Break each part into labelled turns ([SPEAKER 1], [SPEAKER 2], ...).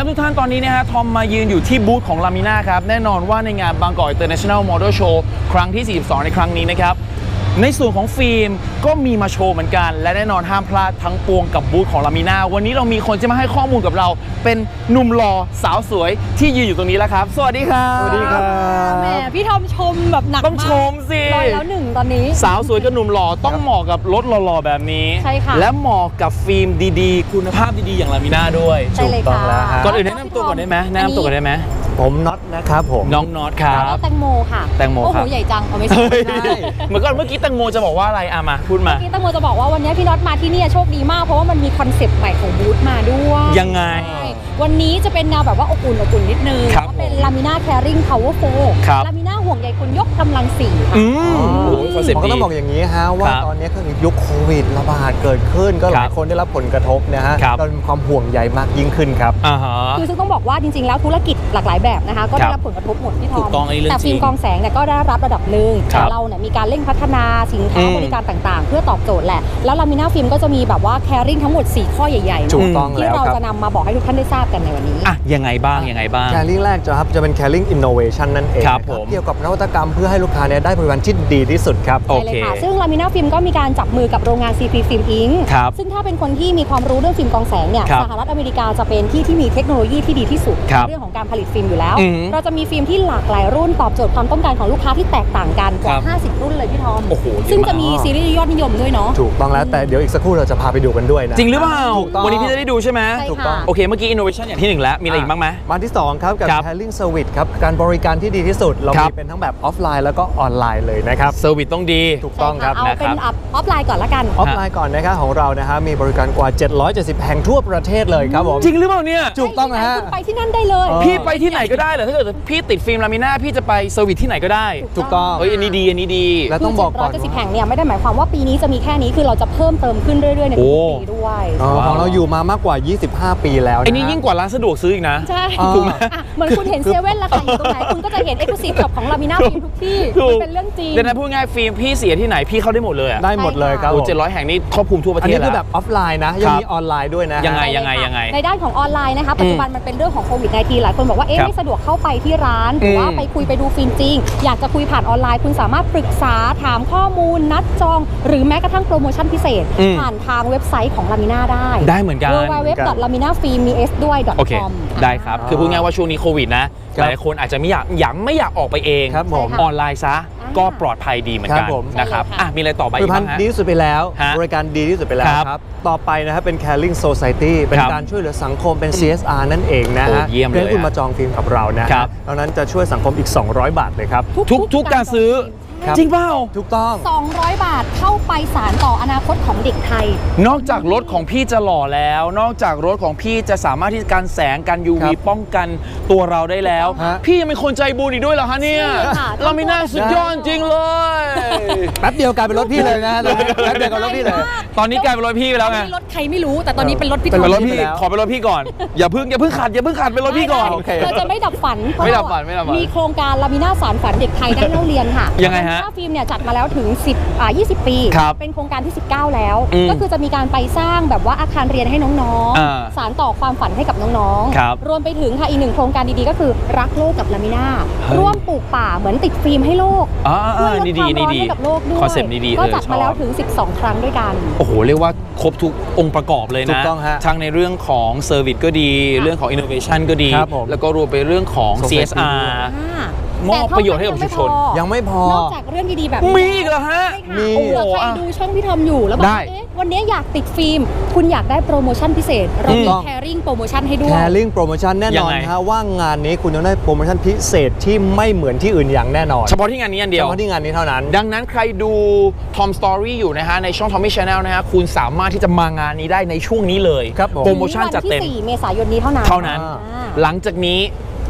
[SPEAKER 1] ครับทุกท่านตอนนี้นะฮะทอมมายืนอยู่ที่บูธของ Lamina ครับแน่นอนว่าในงาน Bangkok International Model Show ครั้งที่ 42 ในครั้งนี้นะครับในส่วนของฟิล์มก็มีมาโชว์เหมือนกันและแน่นอนห้ามพลาดทั้งปวงกับบูธของ Lamina วันนี้เรามีคนจะมาให้ข้อมูลกับเราเป็นหนุ่มหล่อสาวสวยที่ยืนอยู่ตรงนี้แล้วครับสวัสดีครับ
[SPEAKER 2] สวัสดีครับแหมพี่ทอมชมแบบหนักมาก
[SPEAKER 1] ต้องชมสิ
[SPEAKER 2] ร้อยแล้วหนึ่งตอนนี้
[SPEAKER 1] สาวสวยกับหนุ่มหล่อต้องเหมาะกับรถหล่อๆแบบนี้
[SPEAKER 2] ใช่ค่ะ
[SPEAKER 1] และเหมาะกับฟิล์มดีๆคุณภาพดีๆอย่าง Lamina ด้วย
[SPEAKER 2] ใช่เลยค่ะ
[SPEAKER 1] ก่อนอื่นแนะนำตัวก่อนได้ไหมแนะนำตัวก่อนได้ไหม
[SPEAKER 3] ผมน็อตนะครับผม
[SPEAKER 1] น้องน็อตครับ
[SPEAKER 2] แตงโมค่ะ
[SPEAKER 1] แตงโม
[SPEAKER 2] โอ้
[SPEAKER 1] ค
[SPEAKER 2] โห
[SPEAKER 1] รับ
[SPEAKER 2] ใหญ่จังเอาไม่ใช่
[SPEAKER 1] เหมือนก่อนเมื่อกี้แตงโมจะบอกว่าอะไรอะมาพูดมา
[SPEAKER 2] เมื่อกี้แตงโมจะบอกว่าวันนี้พี่น็อตมาที่นี่โชคดีมากเพราะว่ามันมีคอนเซปต์ใหม่ของบูธมาด้วย
[SPEAKER 1] ยังไง
[SPEAKER 2] วันนี้จะเป็นแนวแบบว่าอบอุ่นนิดนึง
[SPEAKER 1] ครับ
[SPEAKER 2] ก็เป็น Lamina Caring Power
[SPEAKER 1] ครับ
[SPEAKER 2] 4 Lamina ห่วงใยคุณยกกำลัง4ค่ะ
[SPEAKER 1] โอ้โหคอนเซ็ป
[SPEAKER 3] ผม
[SPEAKER 1] ต์
[SPEAKER 3] ก็
[SPEAKER 1] ดี
[SPEAKER 3] ต้องบอกอย่างนี้ฮะว่า
[SPEAKER 1] ครับ
[SPEAKER 3] ตอนนี้ก็ยุคโควิดระบาดเกิดขึ้นก็หลาย
[SPEAKER 1] ครับ
[SPEAKER 3] คนได้รับผลกระทบนะฮะ
[SPEAKER 1] ครับ
[SPEAKER 3] เรามีความห่วงใยมากยิ่งขึ้นครับ
[SPEAKER 1] อ่าฮะ
[SPEAKER 2] คือซึ่งต้องบอกว่าจริงๆแล้วธุรกิจหลากหลายแบบนะคะก็ได้รับผลกระทบหมดพี่ทอ
[SPEAKER 1] ถู
[SPEAKER 2] ม
[SPEAKER 1] กต้องอันนี้เรื่อง
[SPEAKER 2] แต่ฟิล์ม
[SPEAKER 1] จริง
[SPEAKER 2] กองแสงเนี่ยก็ได้รับระดับหนึ่ง
[SPEAKER 1] ครั
[SPEAKER 2] แต่
[SPEAKER 1] บ
[SPEAKER 2] เราเนี่ยมีการเร่งพัฒนาสินค้า
[SPEAKER 1] อืม
[SPEAKER 2] บริการต่างๆ เพื่อตอบโจทย์แหละแล้วลามิน่าฟิล์มก็จะมีแบบว่าแคริ่งทั้งหมด4ข้อใหญ่ๆ
[SPEAKER 3] ถู
[SPEAKER 2] เนาะ
[SPEAKER 3] กต้อง
[SPEAKER 2] ที่
[SPEAKER 3] แล้ว
[SPEAKER 2] เรา
[SPEAKER 3] ครับ
[SPEAKER 2] จะนำมาบอกให้ทุกท่านได้ทราบกันในวันนี้
[SPEAKER 1] อ่ะยังไงบ้างยังไงบ้าง
[SPEAKER 3] แคริ่งแรกจะเป็น Caring Innovation นั่นเอง
[SPEAKER 1] ครับ
[SPEAKER 3] นะ
[SPEAKER 1] ผม
[SPEAKER 3] เกี่ยวกับนวัตกรรมเพื่อให้ลูกค้าเนี่ยได้บริการที่ดีที่สุดครับ
[SPEAKER 1] โอ
[SPEAKER 2] ใช่เล
[SPEAKER 1] เค
[SPEAKER 2] ยค่ะซึ่งลามิน่าฟิล์มก็มีการจับมือกับโรงงาน CP Film Inc.
[SPEAKER 1] ครับ
[SPEAKER 2] ซึ่งถ้าเป็นคนที่มีความรู้เรื่องฟิล์มกองแสงเนี่ย
[SPEAKER 1] ครับ
[SPEAKER 2] สหรัฐอเมริกาจะเป็นที่มีเทคโนโลยีที่ดีที่สุด
[SPEAKER 1] ครับ
[SPEAKER 2] ในเรื่องของการผลิตฟิล์มอยู่แล้ว
[SPEAKER 1] อืม
[SPEAKER 2] เราจะมีฟิล์มที่หลากหลายรุ่นตอบโจทย์ความต้องการของลูกค้าที่แตกต่างกันก
[SPEAKER 1] ครั
[SPEAKER 2] ว่า
[SPEAKER 1] บ
[SPEAKER 2] 50 รุ่นเลยพี่ทอม
[SPEAKER 1] โอ้โหเยอะมาก
[SPEAKER 2] ซึ่งจะมีซีรีส์ยอดนิยมด้วยเนาะ
[SPEAKER 3] ถูกต้องแล้วแต่เดี๋ยวอีกสักครู่เราจะพาไปดูกันด้วยนะ
[SPEAKER 1] จริงหรือเปล่า
[SPEAKER 3] ถูกต้อง
[SPEAKER 1] วันนี้พี่จะได้ดูใช่ไหม
[SPEAKER 2] ใช่
[SPEAKER 3] ถูกต้อง
[SPEAKER 2] ค่ะ
[SPEAKER 1] โอเคเมื่อกี้ innovation อย่างที่ 1 แล้วมีอะไรอีกบ้างไหม
[SPEAKER 3] มาที่ 2 ครับกับ
[SPEAKER 1] ครับ
[SPEAKER 3] Caring Service ครับการบริการที่ดีที่สุด เรา
[SPEAKER 1] ครับ
[SPEAKER 3] มีเป็นทั้งแบบออฟไลน์แล้วก็ออนไลน์เลยนะครับ
[SPEAKER 1] เซอร์วิสต้องดี
[SPEAKER 3] ถูกต้องครับ
[SPEAKER 2] ใช่ค่ะเอาเป็น
[SPEAKER 1] นะครับ
[SPEAKER 2] ออฟไลน์ก่อนละกัน
[SPEAKER 3] ออฟไลน์ก่อนนะครับของเรานะฮะมีบริการกว่า 770 แห่งทั่วประเทศเลยครับผม
[SPEAKER 1] จริงหรือเปล่าเนี่ย
[SPEAKER 3] ถูกต้องนะฮะ
[SPEAKER 2] คุณไปที่นั่นได้เลย
[SPEAKER 1] พี่ไปที่ไหนก็ได้เหรอถ้าเกิดพี่ติดฟิล์มลามิน่าพี่จะไปเซอร์วิสที่ไหนก็ได้
[SPEAKER 3] ถูกต้อง
[SPEAKER 1] เฮ้ยอันนี้ดีอันนี้ดี
[SPEAKER 3] และต้องบอกก่อน
[SPEAKER 2] 770 แห่งเนี่ยไม่ได้หมายความว่าปีนี้จะมีแค่นี้คือเราจะเพิ่มเติมขึ้นเรื่อยๆในทุกปีด้วย
[SPEAKER 3] ของเราอยู่มามากกว่า 25 ปีแล้วนะ
[SPEAKER 1] ไอ้นี่ยิ่งกว่าร้านสะดวกซื้ออีกนะ
[SPEAKER 2] ใช่
[SPEAKER 3] ถูกไหม
[SPEAKER 2] อ่ะเหมือนคุณเห็นเซเว่นราคาอยู่ตรงไหนคุณก็จะเห็น Exclusive Shop ของลามิน่าฟิล์มทุกที่
[SPEAKER 1] ถูก
[SPEAKER 2] มันเป็นเรื่องจริง
[SPEAKER 1] เดี๋ยวนะพูดง่ายฟิล์มพี่เสียที่ไหนพี่เข้าได้หมดเลยอะ
[SPEAKER 3] ได้หมดเลยครับ
[SPEAKER 1] โอ้
[SPEAKER 3] ผม
[SPEAKER 1] 700 แห่งนี้ครอบคลุมทั่วประ
[SPEAKER 3] อัน
[SPEAKER 1] เทศ
[SPEAKER 3] นี้
[SPEAKER 1] แล้
[SPEAKER 3] คือ
[SPEAKER 1] ว
[SPEAKER 3] แบบออฟไลน์นะ ยังมีออนไลน์ด้วยนะ
[SPEAKER 1] ยังไง
[SPEAKER 2] ใช่เลยค่ะในด้านของออนไลน์นะคะปัจจุบันมันเป็นเรื่องของโควิด -19 หลายคนบอกว่าเอ๊ะ
[SPEAKER 1] ครับ
[SPEAKER 2] ไม่สะดวกเข้าไปที่ร้านหรือว่าไปคุยไปดูฟิล์มจริง อยากจะคุยผ่านออนไลน์ คุณสามารถปรึกษาถามข้อมูลนัดจอง หรือแม้กระทั่งโปรโมชั่นพิเศษ ผ่านทางเว็บไซต์ของลามิน่าได้
[SPEAKER 1] ได้เหมือนกัน โอเค
[SPEAKER 2] www.laminafilm.com
[SPEAKER 1] ได้ครับ คือพูดง่ายว่าช่วงนี้โควิดนะ
[SPEAKER 3] ค
[SPEAKER 1] ห
[SPEAKER 3] รับ
[SPEAKER 1] ลายคนอาจจะไม่อยากออกไปเอง
[SPEAKER 3] ครับผม
[SPEAKER 1] ออนไลน์ซะก็ปลอดภัยดีเหมือนกัน
[SPEAKER 3] ครับผม
[SPEAKER 1] นะครับ
[SPEAKER 2] ใช่เลยค่ะ
[SPEAKER 1] อ่ะมีอะไรต่อไป
[SPEAKER 3] ผลิ
[SPEAKER 1] อี
[SPEAKER 3] ต
[SPEAKER 1] ก
[SPEAKER 3] ภั
[SPEAKER 1] บ้า
[SPEAKER 3] ณ
[SPEAKER 1] ง
[SPEAKER 3] ฑ์
[SPEAKER 1] ฮะ
[SPEAKER 3] ดีที่สุดไปแล้ว
[SPEAKER 1] ฮะ
[SPEAKER 3] บริการดีที่สุดไปแล้ว
[SPEAKER 1] ครับ
[SPEAKER 3] ครับ ต่อไปนะครับเป็น Caring Society เป็น
[SPEAKER 1] ครับ
[SPEAKER 3] การช่วยเหลือสังคมเป็น CSR นั่นเองนะ
[SPEAKER 1] โอ้
[SPEAKER 3] ฮะ
[SPEAKER 1] เยี่ยมเลย
[SPEAKER 3] เพื่อให้คุณ
[SPEAKER 1] อะ
[SPEAKER 3] มาจองฟิล์มกับเรานะฮะ
[SPEAKER 1] ครับ
[SPEAKER 3] ดังนั้นจะช่วยสังคมอีก 200 บาทเลยครับ
[SPEAKER 1] ทุกการซื้อ
[SPEAKER 3] ครับ
[SPEAKER 1] จริงเปล่า
[SPEAKER 3] ถูกต้อง
[SPEAKER 2] 200 บาทเข้าไปสารต่ออนาคตของเด็กไทย
[SPEAKER 1] นอกจากรถของพี่จะหล่อแล้ว นอกจากรถของพี่จะสามารถที่จะกันแสงกัน UV
[SPEAKER 3] ครับ
[SPEAKER 1] ป้องกันตัวเราได้แล้ว
[SPEAKER 3] ฮะ
[SPEAKER 1] พี่ยังเป็นคนใจบุญอีกด้วยเหรอฮะเนี่ย
[SPEAKER 2] ใช่ค่ะ
[SPEAKER 1] เราไม่น่าสุดยอดจริงเลย
[SPEAKER 3] แป๊บเดียวกลายเป็นรถพี่เลยนะแป๊บเดียวกับรถพี่เลย
[SPEAKER 1] ตอนนี้กลายเป็นรถพี่ไปแล้วไง
[SPEAKER 2] รถใครไม่รู้แต่ตอนนี้เป็นรถพี่
[SPEAKER 1] เป็น
[SPEAKER 2] ทอม
[SPEAKER 1] รถพี่
[SPEAKER 3] ไปแล้ว
[SPEAKER 1] ขอเป็นรถพี่ก่อน อย่าเพิ่งขัดเป็นรถพี่ก่อน
[SPEAKER 3] โอเค
[SPEAKER 2] เราจะไม่ดับฝัน
[SPEAKER 1] ไม่ดับฝันไม่ดับฝัน
[SPEAKER 2] มีโครงการลามิน่าสารฝันเด็กไทยได้เล่าเรียนค่ะ
[SPEAKER 1] ยังไงฮะ
[SPEAKER 2] ลามิน่าฟิล์มเนี่ยจัดมาแล้วถึง20 ปี
[SPEAKER 1] ครับ
[SPEAKER 2] เป็นโครงการที่ 19 แล้ว
[SPEAKER 1] อืม
[SPEAKER 2] ก็คือจะมีการไปสร้างแบบว่าอาคารเรียนให้น้อง
[SPEAKER 1] อ่า
[SPEAKER 2] ๆ สารต่อความฝันให้กับน้อง
[SPEAKER 1] ครับ
[SPEAKER 2] รวมไปถึงค่ะอีกหนึ่งโครงการดีๆก็คือรักโลกกับลามิน่า
[SPEAKER 1] เฮ้ย
[SPEAKER 2] ร่วมปลูกป่าเหมือนติดฟิล์มให้โลก ช่วยลด
[SPEAKER 1] นี่
[SPEAKER 2] ความร้อน
[SPEAKER 1] ดี
[SPEAKER 2] ให้กับโลกด้วย
[SPEAKER 1] คอนเซ็ปต์นี้ดี
[SPEAKER 2] ก็จัด
[SPEAKER 1] ช
[SPEAKER 2] มา
[SPEAKER 1] อบ
[SPEAKER 2] แล้วถึง 12 ครั้งด้วยกัน
[SPEAKER 1] โอ้โห เรียกว่าครบทุกองค์ประกอบเลย
[SPEAKER 3] ถู
[SPEAKER 1] นะ
[SPEAKER 3] กต้องฮะ
[SPEAKER 1] ทั้งในเรื่องของเซอร์วิสก็ดี เรื่องของ innovation ก็ดี
[SPEAKER 3] ครับผม
[SPEAKER 1] แล้วก็รวมไปเรื่องของ
[SPEAKER 3] Society
[SPEAKER 1] CSR มอบ
[SPEAKER 2] แต่เท่า
[SPEAKER 1] ประโยชน์ให้กับชุมชน
[SPEAKER 3] ยังไม่พอ
[SPEAKER 2] นอกจากเรื่องดีๆแบบ
[SPEAKER 1] มีอีกเหรอฮะ
[SPEAKER 2] ใช่ค่ะ
[SPEAKER 3] มี
[SPEAKER 2] เผื่อใครดูช่องพี่ทอมอยู่แล้วบอก
[SPEAKER 1] ได้
[SPEAKER 2] ว่าเอ๊ะวันนี้อยากติดฟิล์ม คุณอยากได้โปรโมชั่นพิเศษ เรามี
[SPEAKER 3] ต้อง
[SPEAKER 2] แคริ่งโปรโมชั่นให้ด้วย
[SPEAKER 3] Caring Promotion แน่นอน
[SPEAKER 1] ยังไง
[SPEAKER 3] ฮะว่างานนี้คุณจะได้โปรโมชั่นพิเศษที่ไม่เหมือนที่อื่นอย่างแน่นอน
[SPEAKER 1] เฉพาะที่งานนี้อันเดี
[SPEAKER 3] เฉ
[SPEAKER 1] ยว
[SPEAKER 3] พาะที่งานนี้เท่านั้น
[SPEAKER 1] ดังนั้นใครดู Tom Story อยู่นะฮะ ในช่อง Tommy Channel นะฮะ คุณสามารถที่จะมางานนี้ได้ในช่วงนี้เลย
[SPEAKER 3] ครับผม
[SPEAKER 1] โปรโมชั่นจัดเต็ม
[SPEAKER 2] วันที่ 4 เมษายนนี้เท่านั้น
[SPEAKER 1] เท่านั้น
[SPEAKER 2] อ่า
[SPEAKER 1] หลังจากนี้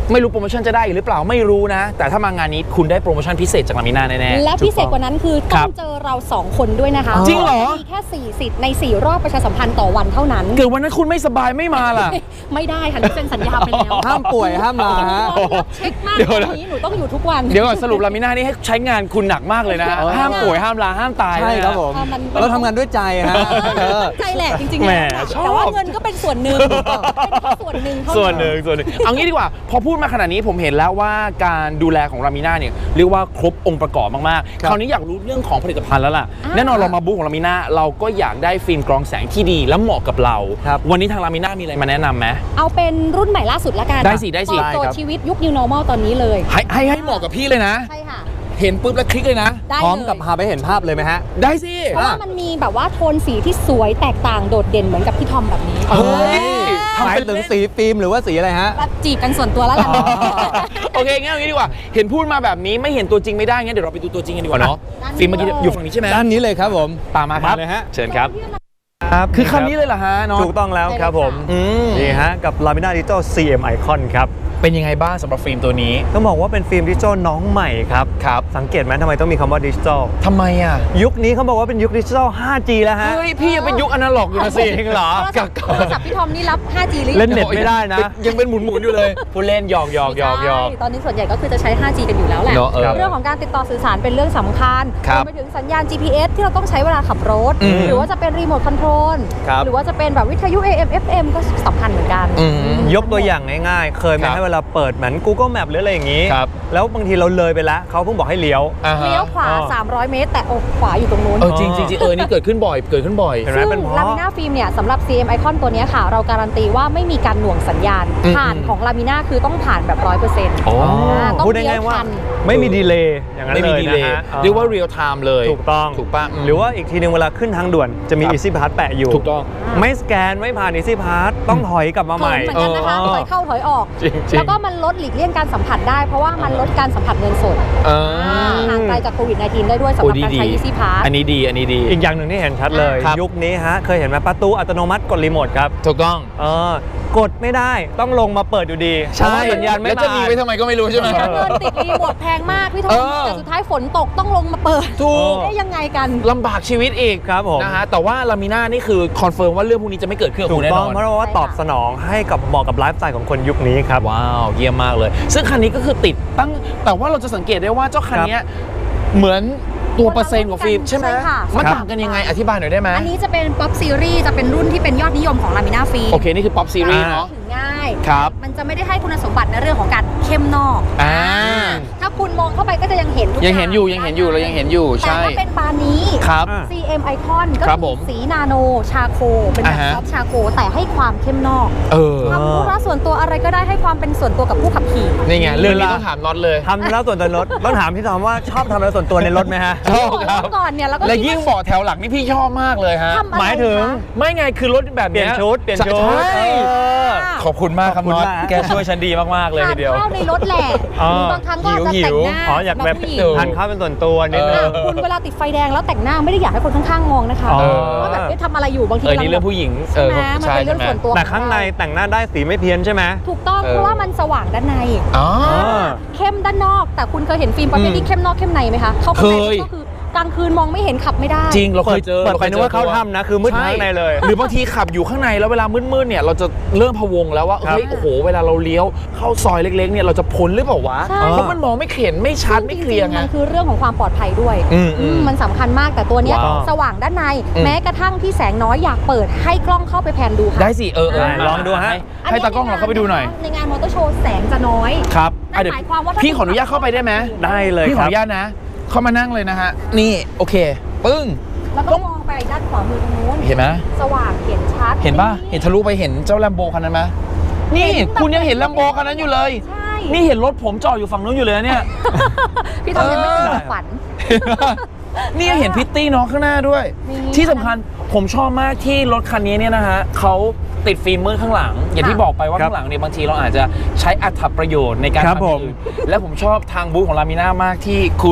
[SPEAKER 1] ไม่รู้โปรโมชั่นจะได้หรือเปล่าไม่รู้นะ แต่ถ้ามางานนี้คุณได้โปรโมชั่นพิเศษจากลามิน่าแน่ๆ
[SPEAKER 2] และพิเศษกว่านั้นคือ
[SPEAKER 1] ครั
[SPEAKER 2] ต้อบ งเจอเรา 2 คนด้วยนะคะ
[SPEAKER 1] จริงเหรอ
[SPEAKER 2] มีแค่4สิทธิ์ใน4รอบประชาสัมพันธ์ต่อวันเท่านั้น
[SPEAKER 1] เกิดวันนั้นคุณไม่สบายไม่มาล่ะ
[SPEAKER 2] ไม่ได้ค่ะหนูเซ็นสัญญาไปแล้ว
[SPEAKER 3] ห้ามป่วยห้ามลาฮะ
[SPEAKER 2] เช็คมาก
[SPEAKER 1] เดี๋ยว
[SPEAKER 2] ต
[SPEAKER 1] นะ
[SPEAKER 2] อนนี้หนูต้องอยู่ทุกวัน
[SPEAKER 1] เดี๋ยวก่อนสรุปลามิน่านี่ให้ใช้งานคุณหนักมากเลยนะ ห้ามป่วยห้ามลาห้ามตาย
[SPEAKER 3] ใช่ครับผม
[SPEAKER 2] มัน
[SPEAKER 3] เราทำงานด้วยใจฮะ
[SPEAKER 2] ใจแหละจริงๆ
[SPEAKER 1] แหม
[SPEAKER 2] แล้ว
[SPEAKER 1] ชอบ
[SPEAKER 2] แต่ว่าเงินก็เป็นส่วนหนึ่งเป็นแค่ส่วนหนึ่งเท่า
[SPEAKER 1] ส่วนห
[SPEAKER 2] นั้น
[SPEAKER 1] นึ่งเอางี้ดีกว่า พอพูดมาขนาดนี้ผมเห็นแล้วว่าการดูแลของลามิน่าเนี่ยเรียกว่าครบองค์ประกอบมากๆ คราวนี้อยากรู้เรื่องของผลิตภัณฑ์แล้วล่ะ แน่นอนเรามาบูธของลามิน่าเราก็อยากได้ฟิล์มกรองแสงที่ดีและเหมาะกับเรา
[SPEAKER 3] ครับ
[SPEAKER 1] วันนี้ทางลามิน่ามีอะไรมาแนะนำไหม
[SPEAKER 2] เอาเป็นรุ่นใหม่ล่าสุดละกัน
[SPEAKER 1] ได้สิได้สิ
[SPEAKER 2] ตอบโจท
[SPEAKER 3] ได้ครั
[SPEAKER 2] ย์
[SPEAKER 3] บ
[SPEAKER 2] ชีวิตยุค New Normal ตอนนี้เลย
[SPEAKER 1] ให้เหมาะกับพี่เลยนะ
[SPEAKER 2] ใช่ค่ะ
[SPEAKER 1] เห็นปุ๊บแล้วคลิกเลยนะ
[SPEAKER 2] ได้
[SPEAKER 3] พร้อม
[SPEAKER 2] เลย
[SPEAKER 3] กับพาไปเห็นภาพเลยไหมฮะ
[SPEAKER 1] ได้สิ
[SPEAKER 2] เพราะว่ามันมีแบบว่าโทนสีที่สวยแตกต่างโดดเด่นเหมือนกับพี่ทอมแบบนี้
[SPEAKER 1] เฮ้ย
[SPEAKER 3] หมายถึงสีฟิล์มหรือว่าสีอะไรฮะ
[SPEAKER 2] จีบกันส่วนตัวแล้วกัน
[SPEAKER 1] โอเคงั้นเอางี้ดีกว่า เห็นพูดมาแบบนี้ไม่เห็นตัวจริงไม่ได้งั้นเดี๋ยวเราไปดูตัวจริงกันดีกว่าเนาะ
[SPEAKER 2] ด้านนี้
[SPEAKER 1] ฟิล์มเมื่อกี้อยู่ฝั่งนี้ใช่ไหม
[SPEAKER 3] ด้านนี้เลยครับผม
[SPEAKER 1] ตามมาครับ
[SPEAKER 3] มาเลยฮะ
[SPEAKER 1] เชิญครับ
[SPEAKER 3] ครับ
[SPEAKER 1] คือคันนี้เลยเหรอฮะเนาะ
[SPEAKER 3] ถูกต้องแล้วครับผม
[SPEAKER 1] อืม
[SPEAKER 3] นี่ฮะกับ Lamina Digital CM Icon ครับ
[SPEAKER 1] เป็นยังไงบ้างสำหรับฟิล์มตัวนี้
[SPEAKER 3] ต้องบอกว่าเป็นฟิล์มดิจิทัลน้องใหม่ครับ
[SPEAKER 1] ครับ
[SPEAKER 3] สังเกตไหมทำไมต้องมีคำว่าดิจิทัล
[SPEAKER 1] ทำไมอ่ะ
[SPEAKER 3] ยุคนี้เขาบอกว่าเป็นยุคดิจิทัล 5G แล้วฮะ
[SPEAKER 1] เฮ้ยพี่ยังเป็นยุคอนาล็อกอยู่นะสิ
[SPEAKER 3] จริงเหรอ
[SPEAKER 2] โทรศัพท์พี่ทอมนี่รับ 5G หรือ
[SPEAKER 3] เล่นเน็ตไม่ได้นะ
[SPEAKER 1] ยังเป็นหมุนๆอยู่เลยผู้เล่นหยอก
[SPEAKER 2] ใช่ตอนนี้ส่วนใหญ่ก็คือจะใช้ 5G กันอยู่แล้วแหละ
[SPEAKER 1] เนอะเออ
[SPEAKER 2] เรื่องของการติดต่อสื่อสารเป็นเรื่องสำคัญ
[SPEAKER 1] ครั
[SPEAKER 2] ร
[SPEAKER 1] บ
[SPEAKER 2] วมไปถึงสัญญาณ GPS ที่เราต้องใช้เวลาขับรถ
[SPEAKER 1] อืม
[SPEAKER 2] หรือว่าจะเป็นรีโมทคอนโทรล
[SPEAKER 3] ครับ
[SPEAKER 2] หรือว่าจะเป็นแบบวิทยุ AM FM ก็สำคัญเหมือนกัน
[SPEAKER 1] อืม
[SPEAKER 3] ยกตัวอย่างง่ายๆ เคยไหม
[SPEAKER 1] ครับ
[SPEAKER 3] ให้เวลาเปิดเหมือน Google Map หรืออะไรอย่างนี้
[SPEAKER 1] ครับ
[SPEAKER 3] แล้วบางทีเราเลยไปแล้ว เขาเพิ่งบอกให้เลี้ยว
[SPEAKER 1] อ่าฮะ
[SPEAKER 2] เลี้ยวขวา
[SPEAKER 3] อ๋อ
[SPEAKER 2] 300 เมตร แต่ขวาอยู่ตรงนู้น
[SPEAKER 1] เออจริงนี่เกิดขึ้นบ่อย เกิดขึ้นบ่อย
[SPEAKER 3] เห็นไหม
[SPEAKER 2] ซึ่ง
[SPEAKER 3] เป็นเพราะ
[SPEAKER 2] ลามิน่าฟิล์มเนี่ยสำหรับ CM Icon ตัวเนี้ยค่ะ เราการันตีว่าไม่มีการหน่วงสัญญาณ
[SPEAKER 1] อืม
[SPEAKER 2] ผ่านของลามิน่าคือต้องผ่านแบบ 100%
[SPEAKER 1] โอ้
[SPEAKER 2] ต้อง
[SPEAKER 3] พูด
[SPEAKER 2] เลี้ย
[SPEAKER 3] ง่ายว ๆว่า
[SPEAKER 2] ทัน
[SPEAKER 3] ไม่มีดีเลย์อย่างนั้น
[SPEAKER 1] ไม่
[SPEAKER 3] เล
[SPEAKER 1] มี
[SPEAKER 3] ย
[SPEAKER 1] ดี
[SPEAKER 3] นะ
[SPEAKER 1] เลย
[SPEAKER 3] ฮะ
[SPEAKER 1] เรียกว่าเรียลไทม์เลย
[SPEAKER 3] ถูกต้อง
[SPEAKER 1] ถูกป่ะ
[SPEAKER 3] หรือว่าอีกทีหนึงเวลาขึ้นทางด่วนจะมี
[SPEAKER 1] ครับ
[SPEAKER 3] Easy Pass แปะอยู่
[SPEAKER 1] ถูกต้อง
[SPEAKER 3] ไม่สแกนไม่ผ่าน Easy Pass ต้องถอยกลับมาใหม่
[SPEAKER 2] เหมือนกันนะคะถอยเข้าถอยออก
[SPEAKER 1] จริงๆ
[SPEAKER 2] แล้วก็มันลดหลีกเลี่ยงการสัมผัสได้ เพราะว่ามันลดการสัมผัสเงินสด ห่างไกลจากโควิด -19 ได้ด้วยสำหรับการใช้ Easy Pass
[SPEAKER 1] อันนี้ดี
[SPEAKER 3] อีกอย่างหนึ่งที่เห็นชัดเลย
[SPEAKER 1] ครับ
[SPEAKER 3] ยุคนี้ฮะเคยเห็นไหมประตูอัตโนมัติกดรีโมทครับ
[SPEAKER 1] ถูกต้อง
[SPEAKER 3] กดไม่ได้ต้องลงมาเปิดอยู่ดีเพราะว่าสัญญาณไม่
[SPEAKER 1] แล้วจะมี
[SPEAKER 3] มา
[SPEAKER 1] ไว้ทำไมก็ไม่รู้ใช่ไหม
[SPEAKER 2] เงินติดรีโมทแพงมากพี่ทอ
[SPEAKER 1] เอ
[SPEAKER 2] ม
[SPEAKER 1] อ
[SPEAKER 2] แต่สุดท้ายฝนตกต้องลงมาเปิด
[SPEAKER 1] ถูก
[SPEAKER 2] ได้ยังไงกัน
[SPEAKER 1] ลำบากชีวิตอีก
[SPEAKER 3] ครับผม
[SPEAKER 1] นะฮะแต่ว่าลามิน่านี่คือคอนเฟิร์มว่าเรื่องพวกนี้จะไม่เกิดขึ้นกับ
[SPEAKER 3] ถู
[SPEAKER 1] คุ
[SPEAKER 3] ก
[SPEAKER 1] ณแน่
[SPEAKER 3] ต้
[SPEAKER 1] น
[SPEAKER 3] อง
[SPEAKER 1] อน
[SPEAKER 3] เพราะว่าตอบสนองให้กับเหมาะกับไลฟ์สไตล์ของคนยุคนี้ครับ
[SPEAKER 1] ว้าวเยี่ยมมากเลย ซึ่งคันนี้ก็คือติดตั้งแต่ว่าเราจะสังเกตได้ว่าเจ้าคันเนี้ยเหมือนตัวเปอร์เซ็นต์ของฟิล์มใช่ไหม
[SPEAKER 2] ใช่ค่ะ
[SPEAKER 1] มันต่างกันยังไงอธิบายหน่อยได้ไหม
[SPEAKER 2] อันนี้จะเป็น Pop Series จะเป็นรุ่นที่เป็นยอดนิยมของลามิน่าฟิล์ม
[SPEAKER 1] โอเคนี่คือป๊อปซีรีส์เนาะ
[SPEAKER 2] ถึงง่าย
[SPEAKER 1] ครับ
[SPEAKER 2] มันจะไม่ได้ให้คุณสมบัติในเรื่องของการเข้มนอก
[SPEAKER 1] อ่า
[SPEAKER 2] ถ้าคุณมองเข้าไปก็จะยังเห็นทุก
[SPEAKER 1] ยังเห็นอยู่เรายังเห็นอยู่
[SPEAKER 2] แต่
[SPEAKER 1] ใช่
[SPEAKER 2] ถ้าเป็นบานนี้
[SPEAKER 1] ครับ
[SPEAKER 2] CM Icon ก็
[SPEAKER 1] ครับ
[SPEAKER 2] คื
[SPEAKER 1] ผ
[SPEAKER 2] อ
[SPEAKER 1] ม
[SPEAKER 2] สีนาโนชาโค เป็นแบบ
[SPEAKER 1] อ่าฮะ
[SPEAKER 2] ซอฟต์ชาโค แต่ให้ความเข้มนอก
[SPEAKER 1] เออ
[SPEAKER 2] ทำธุระส่วนตัวอะไรก็ได้ให้ความเป็นส่วนตัวกับผู้ขับขี่
[SPEAKER 1] นี่ไงเรื่องนี้ต้องถามน็อตเลย
[SPEAKER 3] ทำแล้วส่วนตัวในรถ ต้องถามพี่ทอมว่าชอบทำแล้วส่วนตัวในรถไหมฮะ
[SPEAKER 1] ชอบครับ
[SPEAKER 2] เมื่อก่อนเนี่ยเราก็
[SPEAKER 1] และ
[SPEAKER 2] คิด
[SPEAKER 1] ยิ่ง
[SPEAKER 2] ว่า
[SPEAKER 1] เบาะแถวหลังนี่พี่ชอบมากเลยฮะ
[SPEAKER 2] ทำอะไร
[SPEAKER 3] หมายถึง
[SPEAKER 2] คะ
[SPEAKER 1] ไม่ไงคือรถแบบ
[SPEAKER 3] เปลี่ยนชุด
[SPEAKER 1] ใช่ ขอบคุณมากครับ
[SPEAKER 3] ขอบคุณ
[SPEAKER 1] น็อต
[SPEAKER 3] มาก
[SPEAKER 1] แกช่วยฉันดีมากๆเลย
[SPEAKER 2] ทา
[SPEAKER 1] ที
[SPEAKER 2] น
[SPEAKER 1] เดียว
[SPEAKER 2] ข้าวในรถแหละ
[SPEAKER 3] อ๋อ
[SPEAKER 2] หรือบางครั้งก็อาจจะ
[SPEAKER 1] หิ
[SPEAKER 2] แต่ง
[SPEAKER 1] ว
[SPEAKER 2] หน้า
[SPEAKER 3] อ๋ออยากแบบ
[SPEAKER 2] สำหผู้หญิง
[SPEAKER 3] ทานข้าวเป็นส่วนตัวนิดนึง
[SPEAKER 2] คุณเวลาติดไฟแดงแล้วแต่งหน้าไม่ได้อยากให้คนข้างๆมองนะคะ
[SPEAKER 3] อ๋อ
[SPEAKER 2] ว่าแบบเอ๊ะทำอะไรอยู่บางที
[SPEAKER 1] นี่เรื่องผู้หญิง
[SPEAKER 2] ใช่ไหมมันเป็นเรื่องส่วนตัว
[SPEAKER 3] แต่ข้างในแต่งหน้าได้สีไม่เพี้ยนใช่ไหม
[SPEAKER 2] ถูกต้องเพราะว่ามันสว่างด้านใน
[SPEAKER 1] อ๋อ
[SPEAKER 2] เข้มด้านนอก แต่คุณเคยเห็นฟิล์มประเภทที่เข้มนอกเข้มในไหมคะเข้าไป
[SPEAKER 1] เคย
[SPEAKER 2] ก็คือกลางคืนมองไม่เห็นขับไม่ได้
[SPEAKER 1] จริงเราเคยเจอ
[SPEAKER 3] เปิดไปนึกว่าเข้าถ้ำนะ คือมืดทั้งในเลย
[SPEAKER 1] หรือบางทีขับอยู่ข้างในแล้วเวลามืดๆเนี่ยเราจะเริ่มพะวงแล้วว่า
[SPEAKER 3] ครับ
[SPEAKER 1] เฮ้ยโอ้โหเวลาเราเลี้ยวเข้าซอยเล็กๆเนี่ยเราจะพ้นหรือเปล่าวะ
[SPEAKER 2] ใช่
[SPEAKER 1] เพราะมันมองไม่เห็นไม่ชัดไม่เคลียร์ไง
[SPEAKER 2] มันคือเรื่องของความปลอดภัยด้วย มันสำคัญมากแต่ตัวเนี้ย
[SPEAKER 1] ว้าว
[SPEAKER 2] สว่างด้านใน
[SPEAKER 1] อืม
[SPEAKER 2] แม้กระทั่งที่แสงน้อยอยากเปิดให้กล้องเข้าไปแพนดูค่ะ
[SPEAKER 1] ได้สิ
[SPEAKER 3] ได้ลองดูฮะ
[SPEAKER 1] ให้ตากล้องเราเข้าไปดูหน่อย
[SPEAKER 2] ในงานมอเตอร์โชว์แสงจะน้อย
[SPEAKER 1] ครับ
[SPEAKER 2] นั่น
[SPEAKER 1] เดี๋ยว
[SPEAKER 2] หมายความว่าถ้า
[SPEAKER 1] พี่ขออนุญาตเข้าไปได้ไหม
[SPEAKER 3] ได้เลย
[SPEAKER 1] พี่ข
[SPEAKER 3] ค
[SPEAKER 1] อ
[SPEAKER 3] รั
[SPEAKER 1] อบ นุญาตนะ เข้ามานั่งเลยนะฮะนี่โอเคปึ้ง
[SPEAKER 2] แล้วก็มองไปด้านขวามือตรงนู้น
[SPEAKER 1] เห็นไหม
[SPEAKER 2] สว่างเห็นชัด
[SPEAKER 1] เห็นป่ะเห็นทะลุไปเห็นเจ้าแลมโบคันนั้นไหมนี่
[SPEAKER 2] เห็นแบบ
[SPEAKER 1] คุณยังเห็นแลมโบคันนั้นอยู่เลย
[SPEAKER 2] ใช่
[SPEAKER 1] นี่เห็นรถผมจอดอยู่ฝั่งนู้นอยู่เลยนะเนี่ย
[SPEAKER 2] พี่ทอมยังไม่ถึงฝัน
[SPEAKER 1] นี่ยังเห็นพิตตี้น้องข้างหน้าด้วย
[SPEAKER 2] นี่
[SPEAKER 1] ที่สำคัญผมชอบมากที่รถคันนี้เนี่ยนะฮะเขาติดฟิล์มมืดข้างหลัง อย่างที่บอกไปว่า
[SPEAKER 3] ครับ
[SPEAKER 1] ข้างหลังเนี่ยบางทีเราอาจจะใช้อัตประโยชน์ในการ
[SPEAKER 3] ครับ
[SPEAKER 1] ทำอย่างอื่นและผมชอบทางบูธของลามิน่ามากที่คุณ